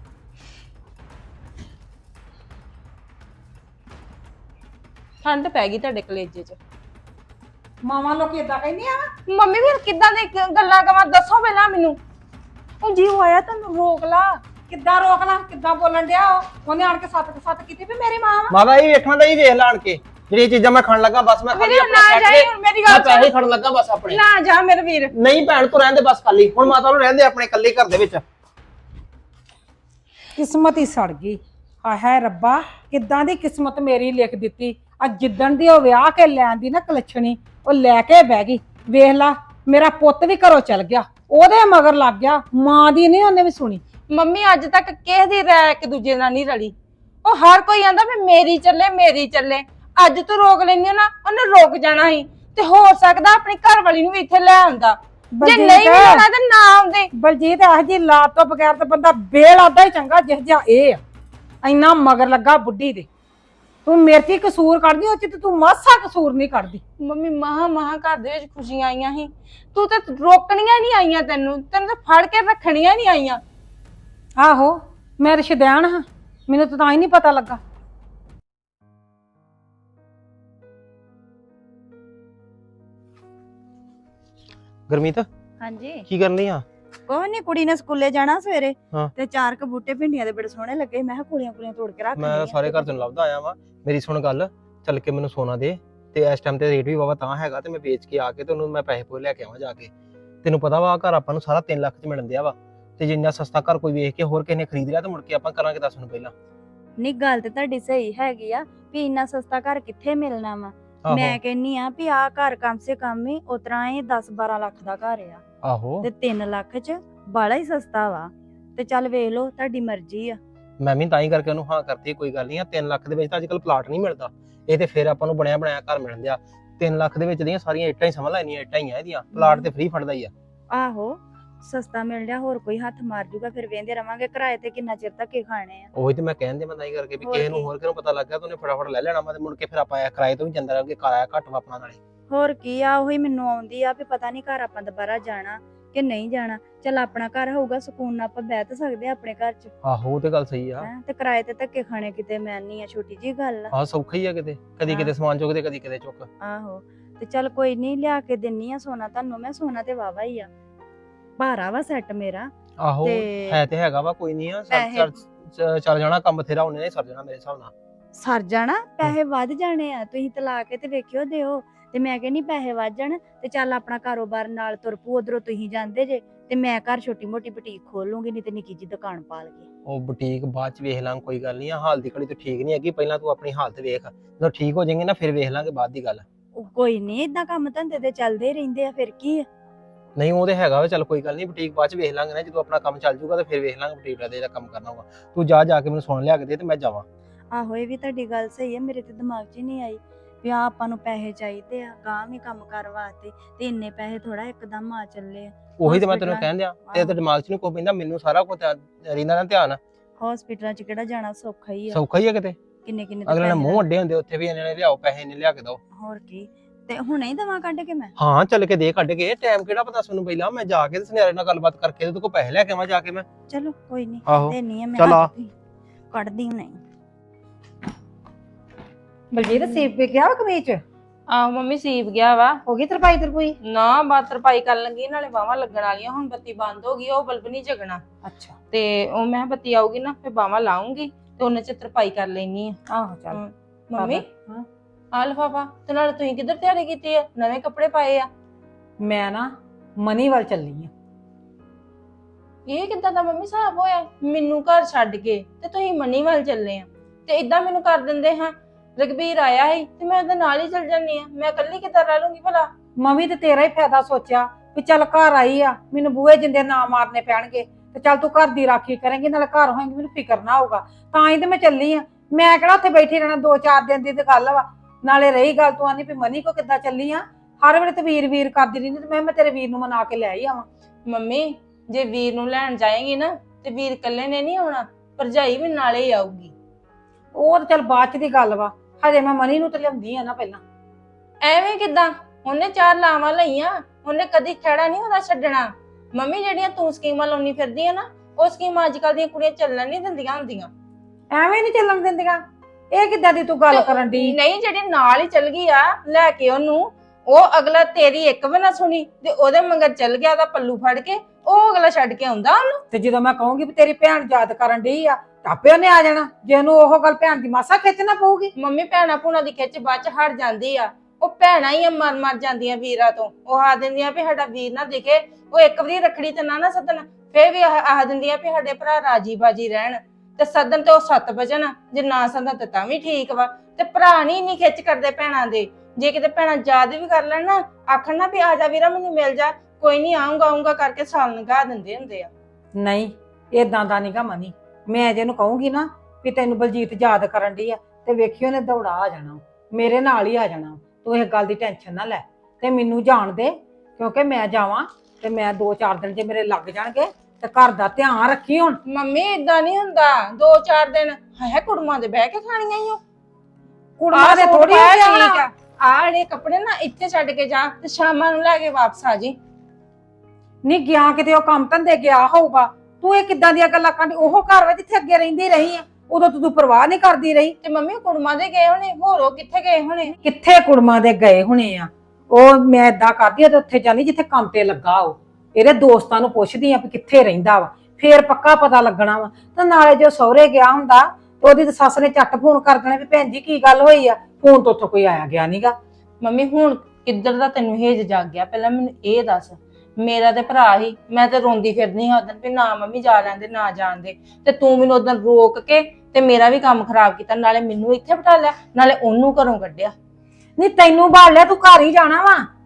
[SPEAKER 2] ਠੰਡ ਪੈ ਗਈ ਤੁਹਾਡੇ ਕਲੇਜੇ 'ਚ।
[SPEAKER 1] ਮਾਵਾਂ ਲੋਕੀ ਏਦਾਂ ਕਹਿੰਦੀਆਂ ਵਾ।
[SPEAKER 2] ਮੰਮੀ ਫਿਰ ਕਿੱਦਾਂ ਦੀ ਗੱਲਾਂ ਕਵਾਂ, ਦੱਸੋ ਪਹਿਲਾਂ ਮੈਨੂੰ। ਉਹ ਜੀ ਉਹ ਆਇਆ ਤੈਨੂੰ ਰੋਕ ਲਾ।
[SPEAKER 1] ਕਿੱਦਾਂ ਰੋਕ ਲਾਂ, ਕਿੱਦਾਂ ਬੋਲਣ ਡਿਆ ਉਹਨੇ ਆਣ ਕੇ ਸੱਤ ਕੀਤੀ ਵੀ ਮੇਰੀ ਮਾਂ ਵਾ।
[SPEAKER 3] ਮਾਤਾ ਇਹ ਵੇਖਣਾ ਤਾਂ ਹੀ ਵੇਖ ਲਾਣ ਕੇ, ਜਿਹੜੀਆਂ ਚੀਜ਼ਾਂ ਮੈਂ ਖਾਣ ਲੱਗਾ ਬਸ, ਮੈਂ ਖਾਲੀ
[SPEAKER 2] ਵੀਰੇ
[SPEAKER 3] ਆਪਣਾ
[SPEAKER 2] ਨਾ
[SPEAKER 3] ਸੈੱਟ
[SPEAKER 2] ਜਾਈ,
[SPEAKER 3] ਦੇ,
[SPEAKER 2] ਹੁਣ ਮੇਰੀ
[SPEAKER 3] ਮੈਂ
[SPEAKER 2] ਗੱਲ
[SPEAKER 3] ਪੈਸੇ
[SPEAKER 2] ਸੁਣ।
[SPEAKER 3] ਖੜਨ ਲੱਗਾ ਬਸ ਆਪਣੇ।
[SPEAKER 2] ਨਾ ਜਾ ਮੇਰੇ ਵੀਰ।
[SPEAKER 3] ਨਹੀਂ ਭੈਣ, ਤੂੰ ਰਹਿੰਦੇ ਬਸ ਖਾਲੀ, ਹੁਣ ਮਾਤਾ ਨੂੰ ਰਹਿੰਦੇ ਆਪਣੇ ਇਕੱਲੇ ਘਰ ਦੇ ਵਿੱਚ।
[SPEAKER 1] ਕਿਸਮਤ ਹੀ ਸੜ ਗਈ। ਹਾਏ ਰੱਬਾ, ਕਿੱਦਾਂ ਦੀ ਕਿਸਮਤ ਮੇਰੀ ਲਿਖ ਦਿੱਤੀ। ਆ ਜਿੱਦਣ ਦੀ ਉਹ ਵਿਆਹ ਕੇ ਲੈਣ ਦੀ ਨਾ ਕਲਛਣੀ, ਉਹ ਲੈ ਕੇ ਬਹਿ ਗਈ। ਵੇਖ ਲਾ, ਮੇਰਾ ਪੁੱਤ ਵੀ ਘਰੋਂ ਚਲ ਗਿਆ, ਉਹਦੇ ਮਗਰ ਲੱਗ ਗਿਆ, ਮਾਂ ਦੀ ਨਹੀਂ ਉਹਨੇ ਵੀ ਸੁਣੀ।
[SPEAKER 2] ਮੰਮੀ ਅੱਜ ਤੱਕ ਕਿਸੇ ਦੀ ਰਾਇ ਇੱਕ ਦੂਜੇ ਨਾਲ ਨਹੀਂ ਰਲੀ। ਉਹ ਹਰ ਕੋਈ ਆਂਦਾ ਵੀ ਮੇਰੀ ਚੱਲੇ ਮੇਰੀ ਚੱਲੇ। ਅੱਜ ਤੂੰ ਰੋਕ ਲੈਂਦੀ ਨਾ, ਉਹਨੇ ਰੁਕ ਜਾਣਾ ਸੀ, ਤੇ ਹੋ ਸਕਦਾ ਆਪਣੀ ਘਰ ਵਾਲੀ ਨੂੰ ਵੀ ਇੱਥੇ ਲੈ ਆਉਂਦਾ। ਜੇ
[SPEAKER 1] ਬਲਜੀਤ,
[SPEAKER 2] ਨਹੀਂ ਵੀ ਆਉਣਾ ਤੇ ਨਾ ਆਉਂਦੇ।
[SPEAKER 1] ਬਲਜੀਤ ਇਹੋ ਜੀ ਲਾਤ ਤੋਂ ਬਗੈਰ ਤਾਂ ਬੰਦਾ ਬੇਲਾਦਾ ਹੀ ਚੰਗਾ, ਜਿਹ ਜਿਹਾ ਇਹ ਆ। ਇੰਨਾ ਮਗਰ ਲੱਗਾ ਬੁੱਢੀ ਦੇ। ਤੂੰ ਮੇਰੇ ਕੀ ਕਸੂਰ ਕੱਢਦੀ, ਉਹ ਚ ਤੇ ਤੂੰ ਮਾਸਾ ਕਸੂਰ ਨਹੀਂ ਕੱਢਦੀ।
[SPEAKER 2] ਮੰਮੀ ਮਹਾ ਘਰ ਦੇ ਵਿੱਚ ਖੁਸ਼ੀਆਂ ਆਈਆਂ ਸੀ, ਤੂੰ ਤਾਂ ਰੋਕਣੀਆਂ ਨਹੀਂ ਆਈਆਂ, ਤੈਨੂੰ ਤਾਂ ਫੜ ਕੇ ਰੱਖਣੀਆਂ ਨਹੀਂ ਆਈਆਂ।
[SPEAKER 1] ਆਹੋ, ਮੈਂ ਰਿਸ਼ਦੈਣ ਹਾਂ, ਮੈਨੂੰ ਤਾਂ ਹੀ ਨਹੀਂ ਪਤਾ ਲੱਗਾ।
[SPEAKER 3] ਗੁਰਮੀਤ,
[SPEAKER 4] ਹਾਂਜੀ,
[SPEAKER 3] ਕੀ ਕਰਨ ਲਈ ਆ?
[SPEAKER 4] ਕੋਈ ਨਹੀਂ, ਕੁੜੀ ਨੇ ਸਕੂਲੇ ਜਾਣਾ ਸਵੇਰੇ,
[SPEAKER 3] ਹਾਂ।
[SPEAKER 4] ਤੇ 4 ਕ ਬੂਟੇ ਭਿੰਡੀਆਂ ਦੇ ਬੜੇ ਸੋਹਣੇ ਲੱਗੇ। ਮੈਂ ਕਿਹਾ ਕੁਲੀਆਂ ਤੋੜ ਕੇ ਰੱਖ
[SPEAKER 3] ਮੈਂ
[SPEAKER 4] ਲੈਂਦੀ
[SPEAKER 3] ਤਾਂ ਸਾਰੇ ਘਰ ਤੈਨੂੰ ਲੱਭਦਾ ਆਇਆ ਵਾਂ। ਮੇਰੀ ਸੁਣ ਗੱਲ, ਚੱਲ ਕੇ ਮੈਨੂੰ ਸੋਨਾ ਦੇ, ਤੇ ਇਸ ਟਾਈਮ ਤੇ ਰੇਟ ਵੀ ਵਾਵਾ ਤਾਂ ਹੈਗਾ, ਤੇ ਮੈਂ ਵੇਚ ਕੇ ਆ ਕੇ ਤੈਨੂੰ ਮੈਂ ਪੈਸੇ ਪੂਰੇ ਲੈ ਕੇ ਆਵਾਂ ਜਾ ਕੇ। ਤੈਨੂੰ ਪਤਾ ਵਾ ਘਰ ਆਪਾਂ ਨੂੰ ਸਾਰਾ 3 ਲੱਖ ਚ ਮਿਲਣ ਦਿਆ ਵਾ, ਤੇ ਜਿੰਨਾ ਸਸਤਾ ਘਰ ਕੋਈ ਵੇਖ ਕੇ ਹੋਰ ਕਿਸੇ ਨੇ ਖਰੀਦ ਲਿਆ ਤਾਂ ਮੁੜ ਕੇ ਆਪਾਂ ਕਰਾਂਗੇ ਦੱਸ ਨੂੰ ਪਹਿਲਾਂ।
[SPEAKER 4] ਨਹੀਂ, ਗੱਲ ਤੇ ਤੁਹਾਡੀ ਸਹੀ ਹੈਗੀ ਆ ਵੀ ਇੰਨਾ ਸਸਤਾ ਘਰ ਕਿੱਥੇ ਮਿਲਣਾ ਵਾ। ਮੈਂ ਕਹਿੰਨੀ ਆ ਵੀ ਆ ਘਰ ਕਮ ਸੇ ਕਮ ਹੀ ਉਤਰਾ ਇਹ 10-12 ਲੱਖ ਦਾ ਘਰ ਆ,
[SPEAKER 3] ਆਹੋ,
[SPEAKER 4] ਤੇ 3 ਲੱਖ ਚ ਬਾਲਾ ਹੀ ਸਸਤਾ ਵਾ। ਤੇ ਚੱਲ ਵੇਖ ਲਓ, ਤੁਹਾਡੀ ਮਰਜ਼ੀ ਆ।
[SPEAKER 3] ਮੈਂ ਵੀ ਤਾਂ ਹੀ ਕਰਕੇ ਉਹਨੂੰ ਹਾਂ ਕਰਤੀ, ਕੋਈ ਗੱਲ ਨਹੀਂ ਆ। 3 ਲੱਖ ਦੇ ਵਿੱਚ ਤਾਂ ਅੱਜ ਕੱਲ ਪਲਾਟ ਨਹੀਂ ਮਿਲਦਾ, ਇਹ ਤੇ ਫਿਰ ਆਪਾਂ ਨੂੰ ਬਣਿਆ ਬਣਾਇਆ ਘਰ ਮਿਲਣ ਦਿਆ। 3 ਲੱਖ ਦੇ ਵਿੱਚ ਦੀਆਂ ਸਾਰੀਆਂ ਇੱਟਾਂ ਹੀ ਸਮਝ ਲੈਣੀਆਂ, ਇੱਟਾਂ ਹੀ ਆ ਇਹਦੀਆਂ, ਪਲਾਟ ਤੇ ਫ੍ਰੀ ਫੜਦਾ ਹੀ ਆ।
[SPEAKER 4] ਆਹੋ ਸਸਤਾ ਮਿਲ ਰਿਹਾ, ਹੋਰ ਕੋਈ ਹੱਥ ਮਾਰ ਜੂਗਾ, ਫਿਰ ਵੇਂਦੇ ਰਵਾਂਗੇ ਕਿਰਾਏ ਤੇ ਕਿੰਨਾ ਚਿਰ ਧੱਕੇ ਖਾਣੇ ਆ।
[SPEAKER 3] ਉਹੀ ਤੇ ਮੈਂ ਕਹਿੰਦੇ ਮੈਂ ਤਾਂ ਹੀ ਕਰਕੇ ਵੀ
[SPEAKER 4] ਹੋਰ
[SPEAKER 3] ਕਿਸੇ ਨੂੰ
[SPEAKER 4] ਕੀ।
[SPEAKER 3] ਹੋਰ ਕਿਹਨੂੰ ਪਤਾ ਲੱਗ ਗਿਆ ਤਾਂ ਉਹਨੇ ਫਟਾਫਟ ਲੈ ਲੈਣਾ ਵਾ, ਤੇ ਮੁੜ ਕੇ ਫਿਰ ਆਪਾਂ ਕਿਰਾਏ ਤੋਂ ਵੀ ਜਾਂਦਾ ਰਹਾਂਗੇ, ਕਿਰਾਇਆ ਘੱਟ ਵਾ ਆਪਣਾ ਨਾਲੇ।
[SPEAKER 4] ਹੋਰ ਕੀ ਆ, ਉਹੀ ਮੈਨੂੰ ਆਉਂਦੀ ਆ ਵੀ ਪਤਾ ਨਹੀਂ ਘਰ ਆਪਾਂ ਦੁਬਾਰਾ ਜਾਣਾ ਕਿ ਨਹੀਂ ਜਾਣਾ। ਚੱਲ ਆਪਣਾ ਘਰ ਹੋਊਗਾ, ਸਕੂਨ ਨਾਲ ਆਪਾਂ ਬਹਿ ਤਾਂ ਸਕਦੇ ਆ ਆਪਣੇ ਘਰ 'ਚ।
[SPEAKER 3] ਆਹੋ ਉਹ ਤੇ ਗੱਲ ਸਹੀ ਆ।
[SPEAKER 4] ਹੈਂ ਤੇ ਕਿਰਾਏ ਤੇ ਧੱਕੇ ਖਾਣੇ ਕਿਤੇ ਮੈਂ ਨਹੀਂ ਆ, ਛੋਟੀ ਜੀ ਗੱਲ ਆ।
[SPEAKER 3] ਆਹ ਸੌਖਾ ਹੀ ਆ, ਕਿਤੇ ਕਦੀ
[SPEAKER 4] ਹਾਂ।
[SPEAKER 3] ਕਿਤੇ ਸਮਾਨ ਚੁੱਕਦੇ ਕਦੀ ਕਿਤੇ ਚੁੱਕ।
[SPEAKER 4] ਆਹੋ ਤੇ ਚੱਲ ਕੋਈ ਨਹੀਂ, ਲਿਆ ਕੇ ਦਿੰਨੀ ਆ ਸੋਨਾ ਤੁਹਾਨੂੰ ਮੈਂ, ਸੋਨਾ ਤੇ ਵਾਵਾ ਹੀ ਆ, ਭਾਰਾ ਵਾ ਸੈੱਟ ਮੇਰਾ।
[SPEAKER 3] ਆਹੋ
[SPEAKER 4] ਤੇ
[SPEAKER 3] ਹੈ ਤੇ ਹੈਗਾ ਵਾ, ਕੋਈ ਨਹੀਂ ਆ,
[SPEAKER 4] ਪੈਸੇ-
[SPEAKER 3] ਚੱਲ ਜਾਣਾ ਕੰਮ ਬਥੇਰਾ, ਉਹਨੇ ਨਹੀਂ ਸਰ ਜਾਣਾ ਮੇਰੇ ਹਿਸਾਬ ਨਾਲ।
[SPEAKER 4] ਸਰ ਜਾਣਾ, ਪੈਸੇ ਵੱਧ ਜਾਣੇ ਆ, ਤੁਸੀਂ ਤਲਾ ਕੇ ਤੇ ਵੇਖਿਓ ਦਿਓ। ਤੇ ਮੈਂ ਕਹਿੰਨੀ ਪੈਸੇ ਵੱਧ ਜਾਣ ਤੇ ਚੱਲ ਆਪਣਾ ਕਾਰੋਬਾਰ ਨਾਲ ਤੁਰ ਪੂ, ਉਧਰੋਂ ਤੁਸੀਂ ਜਾਂਦੇ ਜੇ ਤੇ ਮੈਂ ਘਰ ਛੋਟੀ ਮੋਟੀ ਬੁਟੀਕ ਖੋਲ ਲੂੰਗੀ, ਨਹੀਂ ਤੇ ਨਿੱਕੀ ਜੀ ਦੁਕਾਨ ਪਾ ਲਈਏ।
[SPEAKER 3] ਉਹ ਬੁਟੀਕ ਬਾਅਦ ਚ ਵੇਖ ਲਾਂਗੇ, ਕੋਈ ਗੱਲ ਨਹੀਂ ਆ। ਹਾਲ ਦੀ ਘੜੀ ਤੋਂ ਠੀਕ ਨਹੀਂ ਹੈਗੀ, ਪਹਿਲਾਂ ਤੂੰ ਆਪਣੀ ਹਾਲਤ ਵੇਖ, ਜਦੋਂ ਠੀਕ ਹੋ ਜਾਏਂਗੇ ਨਾ ਫਿਰ ਵੇਖ ਲਾਂਗੇ ਬਾਅਦ ਦੀ ਗੱਲ।
[SPEAKER 4] ਉਹ ਕੋਈ ਨਹੀਂ, ਇਦਾਂ ਕੰਮ ਧੰਦੇ ਤੇ ਚੱਲਦੇ ਰਹਿੰਦੇ ਆ, ਫਿਰ ਕੀ ਆ।
[SPEAKER 3] ਨਹੀਂ ਉਹ ਤੇ ਹੈਗਾ ਵਾ, ਚੱਲ ਕੋਈ ਗੱਲ ਨਹੀਂ, ਬੁਟੀਕ ਬਾਅਦ ਚ ਵੇਖ ਲਾਂਗੇ ਨਾ, ਜਦੋਂ ਆਪਣਾ ਕੰਮ ਚੱਲ ਜੂਗਾ ਤੇ ਫਿਰ ਵੇਖ ਲਾਂਗੇ ਬੁਟੀਕ ਦਾ ਜਿਹੜਾ ਕੰਮ ਕਰਨਾ ਹੋਗਾ। ਤੂੰ ਜਾ ਕੇ ਮੈਨੂੰ ਸੁਣ ਲਿਆ ਕੇ ਦੇ ਤੇ ਮੈਂ ਜਾਵਾਂ।
[SPEAKER 4] ਆਹੋ ਇਹ ਵੀ ਤੁਹਾਡੀ ਗੱਲ ਸਹੀ ਹੈ, ਮੇਰੇ ਤੇ ਦਿਮਾਗ 'ਚ ਹੀ ਨਹੀਂ ਆਈ ਵੀ ਆ ਆਪਾਂ ਨੂੰ ਪੈਸੇ ਚਾਹੀਦੇ ਆ ਗਾਂ ਵੀ ਕੰਮ ਕਰ ਵਾਸਤੇ, ਤੇ ਇੰਨੇ ਪੈਸੇ ਥੋੜਾ ਇੱਕਦਮ ਆ ਚੱਲੇ ਆ।
[SPEAKER 3] ਉਹੀ ਤੇ ਮੈਂ ਤੈਨੂੰ
[SPEAKER 4] hospitals-
[SPEAKER 3] ਕਹਿਣ ਦਿਆਂ, ਤੇਰੇ ਤੇ ਦਿਮਾਗ 'ਚ ਨਹੀਂ ਕੋਈ ਪੈਂਦਾ, ਮੈਨੂੰ ਸਾਰਾ ਕੁਝ ਰਹਿੰਦਾ ਨਾ ਧਿਆਨ।
[SPEAKER 4] ਹਸਪੀਟਲਾਂ 'ਚ ਕਿਹੜਾ ਜਾਣਾ ਸੌਖਾ ਹੀ ਆ,
[SPEAKER 3] ਸੌਖਾ ਹੀ ਆ ਕਿਤੇ,
[SPEAKER 4] ਕਿੰਨੇ ਕਿੰਨੇ
[SPEAKER 3] ਅਗਲੇ ਨੇ ਮੂੰਹ ਅੱਡੇ ਹੁੰਦੇ ਉੱਥੇ ਵੀ, ਇਹਨਾਂ ਨੇ ਲਿਆਓ ਪੈਸੇ, ਇਹਨੇ ਲਿਆ ਕੇ ਦੋ।
[SPEAKER 4] ਹੋਰ ਕੀ, ਤੇ ਹੁਣੇ ਹੀ ਦਵਾ ਕੱਢ ਕੇ ਮੈਂ।
[SPEAKER 3] ਹਾਂ ਚੱਲ ਕੇ ਦੇ ਕੱਢ ਕੇ, ਟਾਈਮ ਕਿਹੜਾ ਪਤਾ ਸਾਨੂੰ, ਪਹਿਲਾਂ ਮੈਂ ਜਾ ਕੇ ਤੇ ਸੁਨਿਆਰੇ ਨਾਲ ਗੱਲਬਾਤ ਕਰਕੇ ਤੇ ਕੋਲ ਪੈਸੇ ਲੈ ਕੇ ਆਵਾਂ ਜਾ ਕੇ ਮੈਂ।
[SPEAKER 4] ਚਲੋ ਕੋਈ ਨਹੀਂ,
[SPEAKER 3] ਆਹੋ
[SPEAKER 4] ਦੇਣੀ ਆ ਮੈਂ,
[SPEAKER 3] ਚੱਲ ਆ।
[SPEAKER 4] ਹੱਥ ਵੀ ਕੱਢਦੀ ਨਹੀਂ।
[SPEAKER 1] ਬਲਜੀਤ ਸੀਪ ਪੇ ਗਿਆ ਵਾ ਕਮੀਜ਼ ਚ,
[SPEAKER 2] ਆਹੋ ਮੰਮੀ ਸੀਪ ਗਿਆ ਵਾ।
[SPEAKER 1] ਹੋ ਗਈ ਤਰਪਾਈ ਤਰਪੂਈ?
[SPEAKER 2] ਨਾ ਬਾਤ ਤਰਪਾਈ ਕਰਨ ਲੱਗੀ, ਨਾਲੇ ਬਾਹਾਂ ਲੱਗਣ ਵਾਲੀਆਂ, ਹੁਣ ਬੱਤੀ ਬੰਦ ਹੋ ਗਈ, ਉਹ ਬਲਬ ਨਹੀਂ ਜਗਣਾ,
[SPEAKER 1] ਅੱਛਾ
[SPEAKER 2] ਤੇ ਉਹ ਮੈਂ ਕਿਹਾ ਬੱਤੀ ਆਊਗੀ ਨਾ ਫਿਰ ਬਾਹਾਂ ਲਾਉਂਗੀ ਤੇ ਉਹਨੇ ਚ ਤਰਪਾਈ ਕਰ ਲੈਣੀ ਆ।
[SPEAKER 1] ਆਹੋ ਚੱਲ।
[SPEAKER 2] ਮੰਮੀ
[SPEAKER 1] ਹਾਂ।
[SPEAKER 2] ਆ ਲਿਫਾਫਾ ਤੇ ਨਾਲੇ ਤੁਸੀਂ ਕਿੱਧਰ ਤਿਆਰੀ ਕੀਤੀ ਆ, ਨਵੇਂ ਕੱਪੜੇ ਪਾਏ ਆ?
[SPEAKER 1] ਮੈਂ ਨਾ ਮਨੀ ਵੱਲ ਚੱਲੀ ਆ।
[SPEAKER 2] ਇਹ ਕਿੱਦਾਂ ਦਾ ਮੰਮੀ ਹਿਸਾਬ ਹੋਇਆ, ਮੈਨੂੰ ਘਰ ਛੱਡ ਕੇ ਤੇ ਤੁਸੀਂ ਮਨੀ ਵੱਲ ਚੱਲੇ ਆ, ਤੇ ਇਦਾਂ ਮੈਨੂੰ ਕਰ ਦਿੰਦੇ ਹਾਂ। ਰਘਬੀਰ ਆਇਆ ਸੀ ਤੇ ਮੈਂ ਉਹਦੇ ਨਾਲ ਹੀ ਚੱਲ ਜਾਂਦੀ ਆ, ਮੈਂ ਇਕੱਲੀ ਕਿੱਦਾਂ ਰਹਿ ਲੂੰਗੀ ਭਲਾ?
[SPEAKER 1] ਮੰਮੀ ਤੇ ਤੇਰਾ ਹੀ ਫਾਇਦਾ ਸੋਚਿਆ ਵੀ ਚੱਲ ਘਰ ਆਈ ਆ, ਮੈਨੂੰ ਬੂਹੇ ਜਿੰਦੇ ਨਾ ਮਾਰਨੇ ਪੈਣਗੇ, ਤੇ ਚੱਲ ਤੂੰ ਘਰ ਦੀ ਰਾਖੀ ਕਰੇਂਗੀ, ਨਾਲੇ ਘਰ ਹੋਏਗੀ, ਮੈਨੂੰ ਫਿਕਰ ਨਾ ਹੋਊਗਾ। ਤਾਂ ਹੀ ਤੇ ਮੈਂ ਚੱਲੀ ਆ, ਮੈਂ ਕਿਹੜਾ ਉੱਥੇ ਬੈਠੀ ਰਹਿਣਾ, 2-4 ਦਿਨ ਦੀ ਤੇ ਗੱਲ ਵਾ। ਨਾਲੇ ਰਹੀ ਗੱਲ ਤੂੰ ਆਨੀ ਵੀ ਮਨੀ ਕੋ ਕਿੱਦਾਂ ਚੱਲੀ ਆ, ਹਰ ਵੇਲੇ ਤੇ ਵੀਰ ਵੀਰ ਕਰਦੀ ਰਹਿੰਦੀ, ਤੇ ਮੈਂ ਤੇਰੇ ਵੀਰ ਨੂੰ ਮਨਾ ਕੇ ਲੈ ਹੀ ਆਵਾਂ।
[SPEAKER 2] ਮੰਮੀ ਜੇ ਵੀਰ ਨੂੰ ਲੈਣ ਜਾਏਗੀ ਨਾ ਤੇ ਵੀਰ ਇਕੱਲੇ ਨੇ ਨਹੀਂ ਆਉਣਾ, ਭਰਜਾਈ ਵੀ ਨਾਲੇ ਹੀ ਆਊਗੀ।
[SPEAKER 1] ਉਹ ਤਾਂ ਚੱਲ ਬਾਅਦ ਚ ਦੀ ਗੱਲ ਵਾ, ਹਜੇ ਮੈਂ ਮਨੀ ਨੂੰ ਤੇ ਲਿਆਉਂਦੀ ਆ ਨਾ ਪਹਿਲਾਂ।
[SPEAKER 2] ਐਵੇਂ ਕਿੱਦਾਂ, ਉਹਨੇ 4 ਲਾਵਾਂ ਲਈਆਂ, ਉਹਨੇ ਕਦੀ ਖੜਾ ਨਹੀਂ ਉਹਦਾ ਛੱਡਣਾ। ਮੰਮੀ ਜਿਹੜੀਆਂ ਤੂੰ ਸਕੀਮਾਂ ਲਾਉਣੀ ਫਿਰਦੀ ਆ ਨਾ, ਉਹ ਸਕੀਮਾਂ ਅੱਜ ਕੱਲ ਦੀਆਂ ਕੁੜੀਆਂ ਚੱਲਣ ਨਹੀਂ ਦਿੰਦੀਆਂ ਹੁੰਦੀਆਂ।
[SPEAKER 1] ਐਵੇਂ ਨਹੀਂ ਚੱਲਣ ਦਿੰਦੀਆਂ, ਇਹ ਕਿੱਦਾਂ ਦੀ ਤੂੰ ਗੱਲ ਕਰਨ ਦੀ?
[SPEAKER 2] ਨਹੀਂ, ਜਿਹੜੀ ਨਾਲ ਹੀ ਚੱਲ ਗਈ ਆ ਲੈ ਕੇ ਉਹਨੂੰ, ਉਹ ਅਗਲਾ ਤੇਰੀ ਇੱਕ ਵੀ ਨਾ ਸੁਣੀ ਤੇ ਉਹਦੇ ਮਗਰ ਚੱਲ ਗਿਆ, ਉਹਦਾ ਪੱਲੂ ਫੜ ਕੇ ਉਹ ਅਗਲਾ ਛੱਡ ਕੇ ਆਉਂਦਾ ਉਹਨੂੰ।
[SPEAKER 1] ਤੇ ਜਦੋਂ ਮੈਂ ਕਹੂੰਗੀ ਵੀ ਤੇਰੀ ਭੈਣ ਯਾਦ ਕਰਨ ਡਈ ਆ, ਆਪੇ ਉਹਨੇ ਆ ਜਾਣਾ। ਜੇ ਉਹਨੂੰ ਉਹ ਗੱਲ ਭੈਣ ਦੀ ਮਾਸਾ ਖਿੱਚਣਾ ਪਊਗੀ।
[SPEAKER 2] ਮੰਮੀ ਭੈਣਾ ਭੂਣਾ ਦੀ ਖਿੱਚ ਬਾਅਦ ਚ ਹਟ ਜਾਂਦੀ ਆ, ਉਹ ਭੈਣਾ ਹੀ ਮਰ ਜਾਂਦੀਆਂ ਵੀਰਾਂ ਤੋਂ। ਉਹ ਆ ਦਿੰਦੀਆਂ ਵੀ ਸਾਡਾ ਵੀਰ ਨਾ ਦਿਖੇ, ਉਹ ਇੱਕ ਵਾਰੀ ਰੱਖੜੀ ਤੇ ਨਾ ਸੱਦਣ, ਫੇਰ ਵੀ ਆ ਦਿੰਦੀਆਂ ਵੀ ਸਾਡੇ ਭਰਾ ਰਾਜੀ ਬਾਜੀ ਰਹਿਣ, ਤੇ ਸੱਦਣ ਤੇ ਉਹ 7 ਵਜਣ, ਜੇ ਨਾ ਸੱਦਣ ਤੇ ਤਾਂ ਵੀ ਠੀਕ ਵਾ। ਤੇ ਭਰਾ ਨਹੀਂ ਖਿੱਚ ਕਰਦੇ ਭੈਣਾਂ ਦੇ, ਜੇ ਕਿਤੇ ਭੈਣਾਂ ਯਾਦ ਵੀ ਕਰ ਲੈਣ ਨਾ, ਆਖਣ ਨਾ ਵੀ ਆ ਜਾ ਵੀਰਾ ਮੈਨੂੰ ਮਿਲ ਜਾ, ਕੋਈ ਨਹੀਂ ਆਉਂਗਾ ਕਰਕੇ ਸਾਲ ਲੰਘਾ ਦਿੰਦੇ ਹੁੰਦੇ ਆ।
[SPEAKER 1] ਨਹੀਂ ਏਦਾਂ ਦਾ ਨੀਗਾ ਮਨੀ, ਮੈਂ ਜੇ ਇਹਨੂੰ ਕਹੂੰਗੀ ਨਾ ਵੀ ਤੈਨੂੰ ਬਲਜੀਤ ਯਾਦ ਕਰਨ ਡਈ ਆ, ਤੇ ਵੇਖੀ ਉਹਨੇ ਦੌੜਾ ਆ ਜਾਣਾ, ਮੇਰੇ ਨਾਲ ਹੀ ਆ ਜਾਣਾ। ਤੂੰ ਇਸ ਗੱਲ ਦੀ ਟੈਨਸ਼ਨ ਨਾ ਲੈ, ਤੇ ਮੈਨੂੰ ਜਾਣ ਦੇ, ਕਿਉਂਕਿ ਮੈਂ ਜਾਵਾਂ ਤੇ ਮੈਂ 2-4 ਦਿਨ ਜੇ ਮੇਰੇ ਲੱਗ ਜਾਣਗੇ, ਤੇ ਘਰ ਦਾ ਧਿਆਨ ਰੱਖੀ। ਹੁਣ
[SPEAKER 2] ਮੰਮੀ ਏਦਾਂ ਨਹੀਂ ਹੁੰਦਾ, 2-4 ਦਿਨ ਹੈ ਕੁੜਮਾਂ ਦੇ ਬਹਿ ਕੇ ਖਾਣੀਆਂ ਹੀ।
[SPEAKER 1] ਕੁੜਮਾਂ ਦੇ ਥੋੜੀ
[SPEAKER 2] ਠੀਕ ਆ, ਆਹ ਜਿਹੜੇ ਕੱਪੜੇ ਨਾ ਇੱਥੇ ਛੱਡ ਕੇ ਜਾ ਤੇ ਸ਼ਾਮਾਂ ਨੂੰ ਲੈ ਕੇ ਵਾਪਸ ਆ ਜੀ।
[SPEAKER 1] ਨਹੀਂ ਗਿਆ ਕਿਤੇ, ਉਹ ਕੰਮ ਧੰਦੇ ਗਿਆ ਹੋਊਗਾ। ਤੂੰ ਇਹ ਕਿੱਦਾਂ ਦੀਆਂ ਗੱਲਾਂ ਕਰਦੀ? ਉਹ ਘਰ ਵਿੱਚ ਜਿੱਥੇ ਅੱਗੇ ਰਹਿੰਦੀ ਰਹੀ ਆ, ਉਦੋਂ ਤੂੰ ਪਰਵਾਹ ਨਹੀਂ ਕਰਦੀ ਰਹੀ।
[SPEAKER 2] ਤੇ ਮੰਮੀ ਕੁੜਮਾਂ ਦੇ ਗਏ ਹੋਣੇ, ਹੋਰ ਉਹ ਕਿੱਥੇ ਗਏ ਹੋਣੇ?
[SPEAKER 1] ਕਿੱਥੇ ਕੁੜਮਾਂ ਦੇ ਗਏ ਹੋਣੇ ਆ? ਉਹ ਮੈਂ ਏਦਾਂ ਕਰਦੀ ਆ ਤੇ ਉੱਥੇ ਜਾਂਦੀ ਜਿੱਥੇ ਕੰਮ ਤੇ ਲੱਗਾ ਉਹ, ਇਹਦੇ ਦੋਸਤਾਂ ਨੂੰ ਪੁੱਛਦੀ ਆ ਵੀ ਕਿੱਥੇ ਰਹਿੰਦਾ ਵਾ, ਫੇਰ ਪੱਕਾ ਪਤਾ ਲੱਗਣਾ ਵਾ। ਤੇ ਨਾਲੇ ਜੋ ਸਹੁਰੇ ਗਿਆ ਹੁੰਦਾ ਤੇ ਉਹਦੀ ਸੱਸ ਨੇ ਝੱਟ ਫੋਨ ਕਰ ਦੇਣਾ ਵੀ ਭੈਣ ਜੀ ਕੀ ਗੱਲ ਹੋਈ ਆ, ਫੋਨ ਤੋਂ ਉੱਥੋਂ ਕੋਈ ਆਇਆ ਗਿਆ ਨੀਗਾ।
[SPEAKER 2] ਮੰਮੀ ਹੁਣ ਕਿੱਧਰ ਦਾ ਤੈਨੂੰ ਹੇਜ ਜਾਗ ਗਿਆ? ਪਹਿਲਾਂ ਮੈਨੂੰ ਇਹ ਦੱਸ। ਮੇਰਾ ਤੇ ਭਰਾ ਹੀ, ਮੈਂ ਤੇ ਰੋਂਦੀ ਫਿਰਦੀ ਹਾਂ ਉਦੋਂ ਵੀ ਨਾ ਮੰਮੀ ਜਾ ਲੈਂਦੇ, ਨਾ ਜਾਣ ਦੇ, ਤੇ ਤੂੰ ਮੈਨੂੰ ਉਦੋਂ ਰੋਕ ਕੇ ਤੇ ਮੇਰਾ ਵੀ ਕੰਮ ਖਰਾਬ ਕੀਤਾ, ਨਾਲੇ ਮੈਨੂੰ ਇੱਥੇ ਬਿਠਾ ਲਿਆ, ਨਾਲੇ ਉਹਨੂੰ ਘਰੋਂ ਕੱਢਿਆ।
[SPEAKER 1] ਨਹੀਂ ਤੈਨੂੰ ਬਾੜ ਲਿਆ, ਤੂੰ ਘਰ ਹੀ ਜਾਣਾ ਵਾ,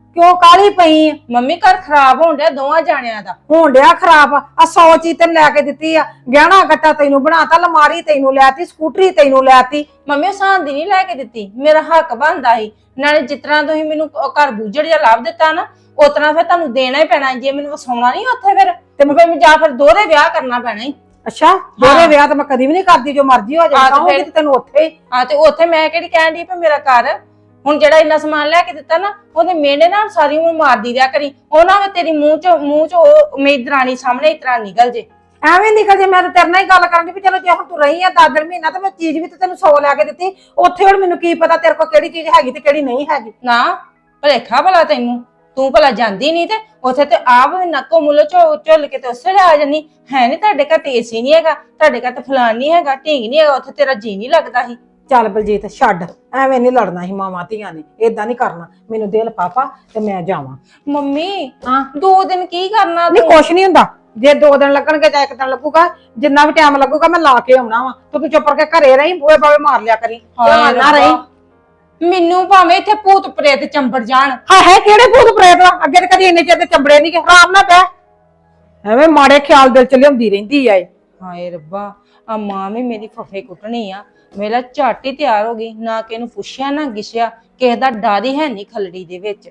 [SPEAKER 1] ਕਿਉਂ ਕਾਲੀ ਪਈ ਆ?
[SPEAKER 2] ਮੰਮੀ ਘਰ ਖਰਾਬ ਹੋਣ ਡਿਆ ਦੋਵਾਂ ਜਾਣਿਆਂ ਦਾ।
[SPEAKER 1] ਹੋਣ ਡਿਆ ਖਰਾਬ ਆ 100 ਚੀਜ਼ ਤੈਨੂੰ ਲੈ ਕੇ ਦਿੱਤੀ ਆ, ਗਹਿਣਾ ਗੱਟਾ ਤੈਨੂੰ ਬਣਾਤਾ, ਲਮਾਰੀ ਤੈਨੂੰ ਲੈਤੀ, ਸਕੂਟਰੀ ਤੈਨੂੰ ਲੈਤੀ।
[SPEAKER 2] ਮੰਮੀ ਉਹ ਸਾਂਦੀ ਨਹੀਂ ਲੈ ਕੇ ਦਿੱਤੀ, ਮੇਰਾ ਹੱਕ ਬਣਦਾ ਸੀ। ਨਾਲੇ ਜਿਸ ਤਰ੍ਹਾਂ ਤੁਸੀਂ ਮੈਨੂੰ ਉਹ ਘਰ ਬੂਝੜ ਜਿਹਾ ਲੱਭ ਦਿੱਤਾ ਨਾ, ਉਸ ਤਰ੍ਹਾਂ ਫਿਰ ਤੁਹਾਨੂੰ ਦੇਣਾ ਹੀ ਪੈਣਾ। ਜੇ ਮੈਨੂੰ ਵਸਾਉਣਾ ਨਹੀਂ ਉੱਥੇ ਫਿਰ ਤੇ ਮੈਂ ਜਾਂ ਫਿਰ ਦੋਹਰੇ ਵਿਆਹ ਕਰਨਾ ਪੈਣਾ ਹੀ।
[SPEAKER 1] ਅੱਛਾ, ਦੋਹਰੇ ਵਿਆਹ ਤਾਂ ਮੈਂ ਕਦੀ ਵੀ ਨਹੀਂ ਕਰਦੀ, ਜੋ ਮਰਜ਼ੀ ਹੋ ਜਾਏ ਤੇ ਤੈਨੂੰ ਉੱਥੇ ਹੀ।
[SPEAKER 2] ਹਾਂ ਤੇ ਉੱਥੇ ਮੈਂ ਕਿਹੜੀ ਕਹਿਣ ਦੀ ਵੀ ਮੇਰਾ ਘਰ ਹੁਣ ਜਿਹੜਾ ਇੰਨਾ ਸਮਾਨ ਲੈ ਕੇ ਦਿੱਤਾ ਨਾ, ਉਹਦੇ ਮਿਹਣੇ ਨਾਲ ਸਾਰੀ ਉਮਰ ਮਾਰਦੀ ਰਿਹਾ ਕਰੀ। ਉਹ ਨਾ ਤੇਰੀ ਮੂੰਹ ਚ ਉਹ ਮੇਰੀ ਦਰਾਣੀ ਸਾਹਮਣੇ ਇਸ ਤਰ੍ਹਾਂ ਨਿਕਲ ਜੇ।
[SPEAKER 1] ਐਵੇਂ ਨਿਕਲ ਜੇ। ਮੈਂ ਤਾਂ ਤੇਰੇ ਨਾਲ ਹੀ ਗੱਲ ਕਰਨ ਦੀ ਵੀ ਚਲੋ ਜੇ ਹੁਣ ਤੂੰ ਰਹੀ ਆ 10 ਮਹੀਨਾ ਤੇ ਮੈਂ ਚੀਜ਼ ਵੀ ਤੇ ਤੈਨੂੰ 100 ਲੈ ਕੇ ਦਿੱਤੀ, ਉੱਥੇ ਹੁਣ ਮੈਨੂੰ ਕੀ ਪਤਾ ਤੇਰੇ ਕੋਲ ਕਿਹੜੀ ਚੀਜ਼ ਹੈਗੀ ਤੇ ਕਿਹੜੀ ਨਹੀਂ ਹੈਗੀ।
[SPEAKER 2] ਨਾ ਭਲੇਖਾ ਭਲਾ ਤੈਨੂੰ, ਤੂੰ ਭਲਾ ਜਾਂਦੀ ਨਹੀਂ ਤੇ ਉੱਥੇ ਤੇ ਆਪ ਨੱਕੋ ਮੁੱਲੋ ਝੁੱਲ ਕੇ ਤੇ ਉਸੇ ਆ ਜਾਨੀ ਹੈ। ਨਹੀਂ ਤੁਹਾਡੇ ਘਰ ਤੇ ਏਸੀ ਨਹੀਂ ਹੈਗਾ, ਤੁਹਾਡੇ ਘਰ ਤੇ ਫਲਾਨ ਨਹੀਂ ਹੈਗਾ, ਢੀਂਗ ਨਹੀਂ ਹੈਗਾ, ਉੱਥੇ ਤੇਰਾ ਜੀ ਨਹੀਂ ਲੱਗਦਾ ਸੀ।
[SPEAKER 1] ਚੱਲ ਬਲਜੀਤ ਛੱਡ, ਐਵੇਂ ਨਹੀਂ ਲੜਨਾ ਸੀ ਮਾਵਾਂ ਧੀਆਂ ਨੇ, ਏਦਾਂ ਨਹੀਂ ਕਰਨਾ। ਮੈਨੂੰ ਦੇ ਲਿਫਾਫਾ ਤੇ ਮੈਂ ਜਾਵਾਂ।
[SPEAKER 2] ਮੰਮੀ
[SPEAKER 1] ਹਾਂ
[SPEAKER 2] 2 ਦਿਨ ਕੀ ਕਰਨਾ
[SPEAKER 1] ਨਹੀਂ,
[SPEAKER 2] ਤੂੰ?
[SPEAKER 1] ਕੁਛ ਨਹੀਂ ਹੁੰਦਾ। ਜੇ 2 ਦਿਨ ਲੱਗਣਗੇ ਜਾਂ 1 ਦਿਨ ਲੱਗੂਗਾ, ਜਿੰਨਾ ਵੀ ਟਾਈਮ ਲੱਗੂਗਾ ਮੈਂ ਲਾ ਕੇ ਆਉਣਾ ਵਾ। ਤੂੰ ਚੁੱਪ ਕਰਕੇ ਘਰੇ ਰਹੀ, ਬੂਹੇ ਬਾਵੇ ਮਾਰ ਲਿਆ ਕਰੀ, ਨਾ ਰਹੀ।
[SPEAKER 2] ਮੈਨੂੰ ਭਾਵੇਂ ਇੱਥੇ ਭੂਤ ਪ੍ਰੇਤ ਚੰਬੜ ਜਾਣ।
[SPEAKER 1] ਹਾਂ ਹੈ ਕਿਹੜੇ ਭੂਤ ਪ੍ਰੇਤ ਆ? ਅੱਗੇ ਤੇ ਕਦੀ ਇੰਨੇ ਚਿਰ ਦੇ ਚੰਬੜੇ ਨਹੀਂ ਗਏ। ਆਰਾਮ ਨਾਲ ਬਹਿ, ਐਵੇਂ ਮਾੜੇ ਖਿਆਲ ਦਿਲ ਚ ਲਿਆਉਂਦੀ ਰਹਿੰਦੀ ਆ ਇਹ।
[SPEAKER 2] ਹਾਏ ਰੱਬਾ, ਆ ਮਾਂ ਵੀ ਮੇਰੀ ਫਫੇ ਕੁੱਟਣੀ ਆ। ਮੇਰਾ ਝੱਟ ਹੀ ਤਿਆਰ ਹੋ ਗਈ, ਨਾ ਕਿ ਇਹਨੂੰ ਪੁੱਛਿਆ ਨਾ ਗਿਛਿਆ, ਕਿਸੇ ਦਾ ਡਰ ਹੀ ਹੈ ਨਹੀਂ ਖਲੜੀ ਦੇ ਵਿੱਚ।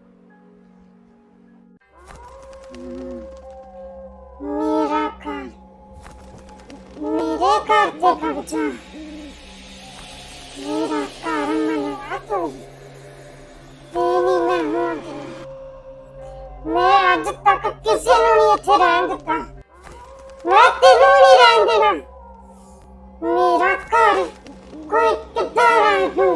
[SPEAKER 5] मेरा घर मेरे घर पे कब्जा मेरा घर मनेगा तू तेरी मैं हूं मैं आज तक किसी ਨੂੰ ਨਹੀਂ ਇੱਥੇ ਰਹਿਣ ਦਿੱਤਾ ਮੈਂ ਤੈਨੂੰ ਨਹੀਂ ਰਹਿਣ ਦੇਣਾ ਮੇਰਾ ਘਰ ਕੋਈ ਕਿੱਦਾਂ ਰਹਿ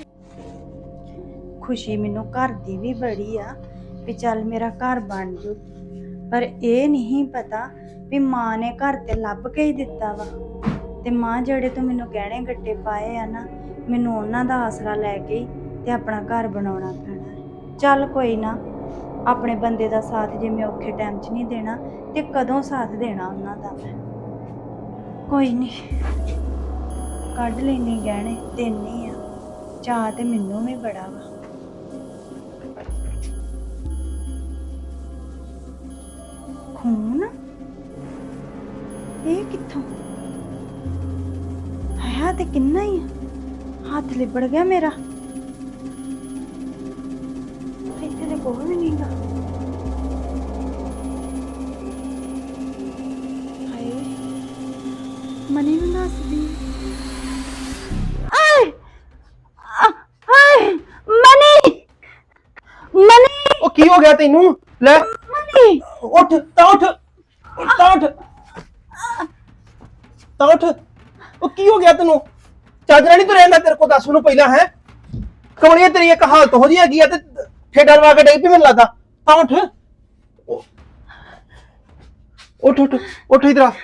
[SPEAKER 4] ਖੁਸ਼ੀ ਮੈਨੂੰ ਘਰ ਦੀ ਵੀ ਬੜੀ ਆ ਵੀ ਚੱਲ ਮੇਰਾ ਘਰ ਬਣ ਜੂ, ਪਰ ਇਹ ਨਹੀਂ ਪਤਾ ਵੀ ਮਾਂ ਨੇ ਘਰ ਤੇ ਲੱਭ ਕੇ ਹੀ ਦਿੱਤਾ ਵਾ। ਤੇ ਮਾਂ ਜਿਹੜੇ ਤੋਂ ਮੈਨੂੰ ਗਹਿਣੇ ਗੱਟੇ ਪਾਏ ਆ ਨਾ, ਮੈਨੂੰ ਉਹਨਾਂ ਦਾ ਆਸਰਾ ਲੈ ਕੇ ਹੀ ਤੇ ਆਪਣਾ ਘਰ ਬਣਾਉਣਾ ਪੈਣਾ। ਚੱਲ ਕੋਈ ਨਾ, ਆਪਣੇ ਬੰਦੇ ਦਾ ਸਾਥ ਜੇ ਮੈਂ ਔਖੇ ਟਾਈਮ 'ਚ ਨਹੀਂ ਦੇਣਾ ਤੇ ਕਦੋਂ ਸਾਥ ਦੇਣਾ ਉਹਨਾਂ ਦਾ ਮੈਂ। ਕੋਈ ਨਹੀਂ, ਕੱਢ ਲੈਣੀ ਗਹਿਣੇ, ਦੇਣੀ ਆ। ਚਾਹ ਤੇ ਮੈਨੂੰ ਵੀ ਬੜਾ ਵਾ। ਖੂਨ ਇਹ ਕਿੱਥੋਂ ਆਇਆ? ਤੇ ਕਿੰਨਾ ਹੀ ਆ, ਹੱਥ ਲਿਬੜ ਗਿਆ ਮੇਰਾ। ਇੱਥੇ ਤੇ ਕੋਈ ਵੀ ਨਹੀਂਗਾ। ਹਾਏ ਮਨੀ ਨੂੰ ਦੱਸਦੀ। ਆਏ ਆਏ ਮਨੀ ਮਨੀ,
[SPEAKER 3] ਉਹ ਕੀ ਹੋ ਗਿਆ ਤੈਨੂੰ? ਲੈ
[SPEAKER 4] ਮਨੀ
[SPEAKER 3] ਉੱਠ ਤਾਂ ਉੱਠ ਤਾਂ ਉੱਠ ਤਾਂ ਉੱਠ। ਉਹ ਕੀ ਹੋ ਗਿਆ ਤੈਨੂੰ? ਚਾਦਰਾ ਨਹੀਂ ਤੂੰ ਰਹਿੰਦਾ? ਤੇਰੇ ਕੋਲ ਦੱਸ ਮੈਨੂੰ ਪਹਿਲਾਂ। ਹੈ ਕਮਲੀਏ ਤੇਰੀ ਇੱਕ ਹਾਲਤ ਹੋ ਜੀ ਹੈਗੀ ਆ ਤੇ ਠੇਡਾ ਲਵਾ ਕੇ ਡੇਗ ਪਈ ਮੈਨੂੰ ਲੱਗਦਾ। ਤਾਂ ਉੱਠ ਉੱਠ ਉੱਠ ਉੱਠ ਇਧਰ ਆ,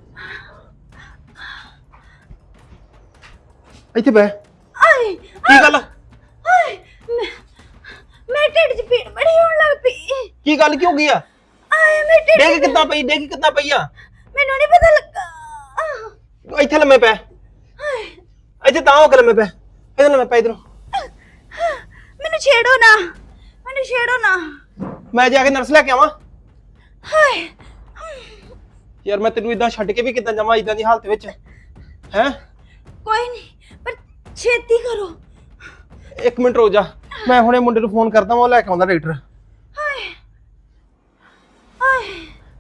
[SPEAKER 3] ਇੱਥੇ ਬਹਿ।
[SPEAKER 4] ਆਏ
[SPEAKER 3] ਕੀ ਗੱਲ?
[SPEAKER 4] ਆਏ ਮੈਂ ਢਿੱਡ 'ਚ ਪੀੜ ਬੜੀ ਹੋਣ ਲੱਗ ਪਈ।
[SPEAKER 3] ਕੀ ਗੱਲ ਕੀ ਹੋ ਗਈ ਆ?
[SPEAKER 4] ਆਏ ਮੈਂ ਢਿੱਡ
[SPEAKER 3] ਡੇਗ ਕਿੱਦਾਂ ਪਈ? ਡੇਗ ਕਿੱਦਾਂ ਪਈ ਆ?
[SPEAKER 4] ਮੈਨੂੰ ਨਹੀਂ ਪਤਾ ਲੱਗਾ।
[SPEAKER 3] ਇੱਥੇ ਲੰਮੇ ਪੈ, ਇੱਥੇ ਤਾਂ ਹੋ ਕੇ ਲੰਮੇ ਪੈ, ਇੱਧਰ ਲੰਮੇ ਪੈ। ਇਧਰੋਂ
[SPEAKER 4] ਮੈਨੂੰ ਛੇੜੋ ਨਾ, ਮੈਨੂੰ ਛੇੜੋ ਨਾ।
[SPEAKER 3] ਮੈਂ ਜਾ ਕੇ ਨਰਸ ਲੈ ਕੇ ਆਵਾਂ?
[SPEAKER 4] ਹਾਏ
[SPEAKER 3] ਯਾਰ ਮੈਂ ਤੈਨੂੰ ਇਦਾਂ ਛੱਡ ਕੇ ਵੀ ਕਿੱਦਾਂ ਜਾਵਾਂ ਇਦਾਂ ਦੀ ਹਾਲਤ ਵਿੱਚ? ਹੈ
[SPEAKER 4] ਕੋਈ ਨਹੀਂ, ਪਰ ਛੇਤੀ ਕਰੋ।
[SPEAKER 3] 1 ਮਿੰਟ ਰੁਕ ਜਾ, ਮੈਂ ਹੁਣੇ ਮੁੰਡੇ ਨੂੰ ਫੋਨ ਕਰਦਾ, ਉਹ ਲੈ ਕੇ ਆਉਂਦਾ ਡਾਕਟਰ।
[SPEAKER 4] ਹਾਏ ਹਾਏ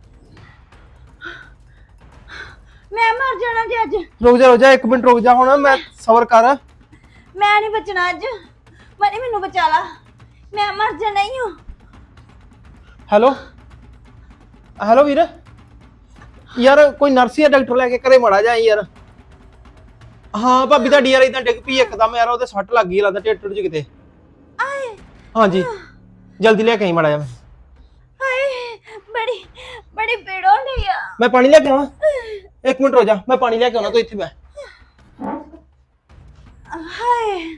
[SPEAKER 4] ਮੈਂ ਮਰ ਜਾਣਾ ਜੀ ਅੱਜ।
[SPEAKER 3] ਰੁਕ ਜਾ 1 ਮਿੰਟ ਰੁਕ ਜਾ, ਹੁਣ ਮੈਂ ਸਬਰ ਕਰ।
[SPEAKER 4] ਮੈਂ ਨਹੀਂ ਬਚਣਾ ਅੱਜ। ਮਨੀ ਮੈਨੂੰ ਬਚਾ ਲਾ, ਮੈਂ ਮਰ ਜਾਣਾ ਹੀ ਹਾਂ।
[SPEAKER 3] ਹੈਲੋ ਹੈਲੋ ਵੀਰ, ਯਾਰ ਕੋਈ ਨਰਸ ਜਾਂ ਡਾਕਟਰ ਲੈ ਕੇ ਘਰੇ ਮੜਾ ਜਾ ਯਾਰ। ਹਾਂ ਭਾਬੀ ਤੁਹਾਡੀ ਯਾਰ ਇਦਾਂ ਡਿੱਗ ਪਈ ਇੱਕਦਮ, ਯਾਰ ਉਹਦੇ ਸੱਟ ਲੱਗ ਗਈ ਲੱਗਦਾ ਢਿੱਡ ਚ ਕਿਤੇ।
[SPEAKER 4] ਆਏ
[SPEAKER 3] ਹਾਂਜੀ ਜਲਦੀ ਲੈ ਕੇ ਆਈ ਮੜਾ ਜਾ।
[SPEAKER 4] ਹਾਏ ਬੜੀ ਬੜੀ ਪੀੜ ਹੋ ਰਹੀ ਆ।
[SPEAKER 3] ਮੈਂ ਪਾਣੀ ਲੈ ਕੇ ਆਵਾਂ? 1 ਮਿੰਟ ਰੁਕ ਜਾ, ਮੈਂ ਪਾਣੀ ਲੈ ਕੇ ਆਉਣਾ, ਤੂੰ ਇੱਥੇ ਬੈ।
[SPEAKER 4] ਹਾਏ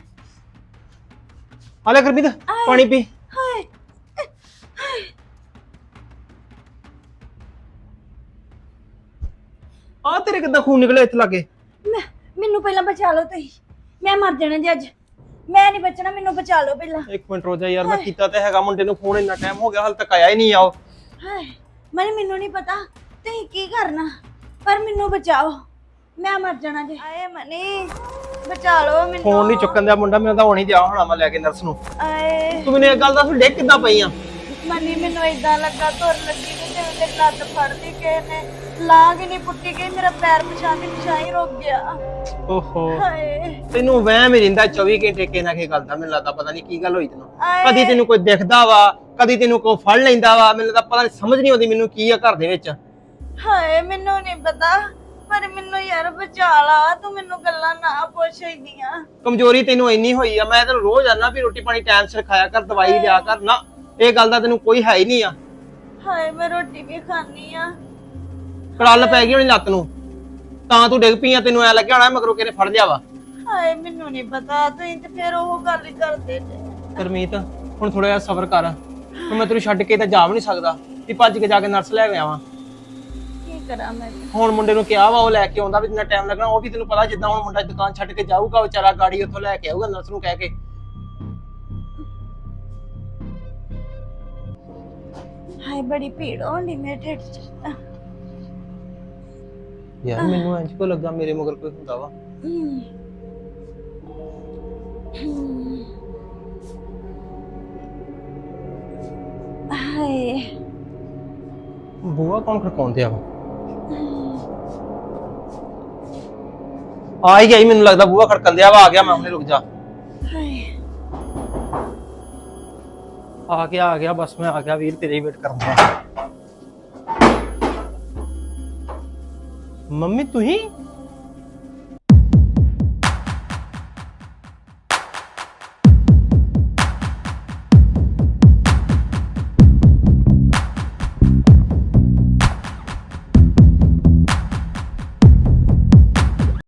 [SPEAKER 3] ਆ ਲੈ ਗੁਰਮੀਤ ਪਾਣੀ ਪੀ।
[SPEAKER 4] ਹਾਏ
[SPEAKER 3] ਆ ਤੇਰੇ ਕਿੱਦਾਂ ਖੂਨ ਨਿਕਲਿਆ ਇੱਥੇ ਲੱਗੇ?
[SPEAKER 4] ਮੈਨੂੰ ਪਹਿਲਾਂ ਬਚਾ ਲਓ ਤੁਸੀਂ, ਮੈਂ ਮਰ ਜਾਣਾ ਜੀ ਅੱਜ। ਮੈਂ ਨਹੀਂ ਬਚਣਾ, ਮੈਨੂੰ ਬਚਾ ਲਓ ਪਹਿਲਾਂ।
[SPEAKER 3] ਇੱਕ ਮਿੰਟ ਰੋ ਜਾ ਯਾਰ, ਮੈਂ ਕੀਤਾ ਤੇ ਹੈਗਾ ਮੁੰਡੇ ਨੂੰ ਫੋਨ, ਇੰਨਾ ਟਾਈਮ ਹੋ ਗਿਆ ਹਾਲੇ ਤੱਕ ਆਇਆ ਹੀ ਨਹੀਂ ਆਓ।
[SPEAKER 4] ਹਾਏ ਮੈਨੂੰ ਨਹੀਂ ਪਤਾ ਤੁਸੀਂ ਕੀ ਕਰਨਾ, ਪਰ ਮੈਨੂੰ ਬਚਾਓ, ਮੈਂ ਮਰ ਜਾਣਾ ਜੇ। ਆਏ ਮਨੀ ਬਚਾ ਲਓ ਮੈਨੂੰ।
[SPEAKER 3] ਫੋਨ ਨਹੀਂ ਚੁੱਕਣ ਦਿਆ ਮੁੰਡਾ, ਮੈਨੂੰ ਤਾਂ ਹੁਣ ਹੀ ਦਿਆ ਹੋਣਾ ਮੈਂ ਲੈ ਕੇ ਨਰਸ ਨੂੰ।
[SPEAKER 4] ਆਏ
[SPEAKER 3] ਤੂੰ ਮੈਨੂੰ ਇੱਕ ਗੱਲ ਦੱਸ, ਡਿੱਗ ਕਿੱਦਾਂ ਪਈ ਆ?
[SPEAKER 4] ਮਨੀ ਮੈਨੂੰ ਇਦਾਂ ਲੱਗਾ ਤੁਰ ਲੱਗੀ ਤੇ ਜਿਵੇਂ ਮੇਰੀ ਲੱਤ ਫੜਦੀ ਕਿਸੇ ਨੇ, ਲਾਂਗ ਹੀ ਨਹੀਂ ਪੁੱਟੀ ਗਈ, ਮੇਰਾ ਪੈਰ ਪਛਾਣ ਹੀ ਰੁਕ ਗਿਆ।
[SPEAKER 3] ਓਹੋ
[SPEAKER 4] ਹਾਏ
[SPEAKER 3] ਤੈਨੂੰ ਵਹਿਮ ਹੀ ਰਹਿੰਦਾ 24 ਘੰਟੇ ਕਿਸੇ ਨਾ ਕਿਸੇ ਗੱਲ ਦਾ, ਮੈਨੂੰ ਲੱਗਦਾ ਪਤਾ ਨਹੀਂ ਕੀ ਗੱਲ ਹੋਈ ਤੈਨੂੰ।
[SPEAKER 4] ਆਏ।
[SPEAKER 3] ਕਦੀ ਤੈਨੂੰ ਕੋਈ ਦਿਖਦਾ ਵਾ, ਕਦੀ ਤੈਨੂੰ ਕੋਈ ਫੜ ਲੈਂਦਾ ਵਾ, ਮੈਨੂੰ ਤਾਂ ਪਤਾ ਨਹੀਂ, ਸਮਝ ਨਹੀਂ ਆਉਂਦੀ ਮੈਨੂੰ ਕੀ ਆ ਘਰ ਦੇ ਵਿੱਚ।
[SPEAKER 4] ਹਾਏ ਮੈਨੂੰ ਨਹੀਂ ਪਤਾ, ਪਰ ਮੈਨੂੰ ਯਾਰ ਬਚਾ ਲਾ, ਤੂੰ ਮੈਨੂੰ ਗੱਲਾਂ ਨਾ ਪੁੱਛ ਇੰਨੀਆਂ।
[SPEAKER 3] ਕਮਜ਼ੋਰੀ ਤੈਨੂੰ ਇੰਨੀ ਹੋਈ ਆ, ਮੈਂ ਤੈਨੂੰ ਰੋਜ਼ ਆਨਾ ਵੀ ਰੋਟੀ ਪਾਣੀ ਟਾਈਮ ਸਿਰ ਖਾਇਆ ਕਰ, ਦਵਾਈ ਲਿਆ ਕਰ, ਨਾ ਇਹ ਗੱਲ ਦਾ ਤੈਨੂੰ ਕੋਈ ਹੈ ਹੀ ਨਹੀਂ ਆ।
[SPEAKER 4] ਹਾਏ ਮੈਂ ਰੋਟੀ ਵੀ ਖਾਣੀ ਆ।
[SPEAKER 3] ਕੜਲ ਪੈ ਗਈ ਹੋਣੀ ਲੱਤ ਨੂੰ, ਤਾਂ ਤੂੰ ਡਿੱਗ ਪਈ ਆ, ਤੈਨੂੰ ਐ ਲੱਗਿਆ ਹੋਣਾ ਮਗਰੋਂ ਕਿਹਨੇ ਫੜ ਲਿਆ ਵਾ।
[SPEAKER 4] ਹਾਏ ਮੈਨੂੰ ਨਹੀਂ ਪਤਾ, ਤੁਸੀਂ ਤੇ ਫਿਰ ਉਹ ਗੱਲ ਹੀ ਕਰਦੇ ਜੇ।
[SPEAKER 3] ਗੁਰਮੀਤ ਹੁਣ ਥੋੜਾ ਜਿਹਾ ਸਬਰ ਕਰ, ਹੁਣ ਮੈਂ ਤੈਨੂੰ ਛੱਡ ਕੇ ਤਾਂ ਜਾ ਵੀ ਨਹੀਂ ਸਕਦਾ ਵੀ ਭੱਜ ਕੇ ਜਾ ਕੇ ਨਰਸ ਲੈ ਕੇ ਆਵਾਂ।
[SPEAKER 4] ਕੀ ਕਰਾਂ ਮੈਂ?
[SPEAKER 3] ਹੁਣ ਮੁੰਡੇ ਨੂੰ ਕਿਹਾ ਵਾ ਉਹ ਲੈ ਕੇ ਆਉਂਦਾ, ਵੀ ਜਿੰਨਾ ਟਾਈਮ ਲੱਗਣਾ ਉਹ ਵੀ ਤੈਨੂੰ ਪਤਾ, ਜਿੱਦਾਂ ਹੁਣ ਮੁੰਡਾ ਦੁਕਾਨ ਛੱਡ ਕੇ ਜਾਊਗਾ ਵਿਚਾਰਾ, ਗਾੜੀ ਉੱਥੋਂ ਲੈ ਕੇ ਆਊਗਾ ਨਰਸ ਨੂੰ ਕਹਿ ਕੇ।
[SPEAKER 4] ਹਾਏ ਬੜੀ ਭੀੜ ਹੋਣੀ ਮੇਰੇ ਢਿੱਡ 'ਚ।
[SPEAKER 3] ਯਾਰ ਮੈਨੂੰ ਇੰਜ ਕੋ ਲੱਗਾ ਮੇਰੇ ਮਗਰ ਕੋਈ ਹੁੰਦਾ ਵਾ।
[SPEAKER 4] ਹਾਏ
[SPEAKER 3] ਬੂਆ ਕੌਣ ਖੜਕਾਉਂਦੇ ਆ? ਆ ਹੀ ਗਿਆ ਮੈਨੂੰ ਲੱਗਦਾ, ਬੂਆ ਖੜਕਣ ਆ ਵਾ, ਆ ਗਿਆ ਮੈਂ ਹੁਣੇ, ਰੁਕ ਜਾ।
[SPEAKER 4] ਹਾਏ
[SPEAKER 3] ਆ ਗਿਆ ਬਸ ਮੈਂ ਆ ਗਿਆ ਵੀਰ, ਤੇਰੇ ਹੀ ਵੇਟ ਕਰਦਾ। ਮੰਮੀ ਤੁਸੀਂ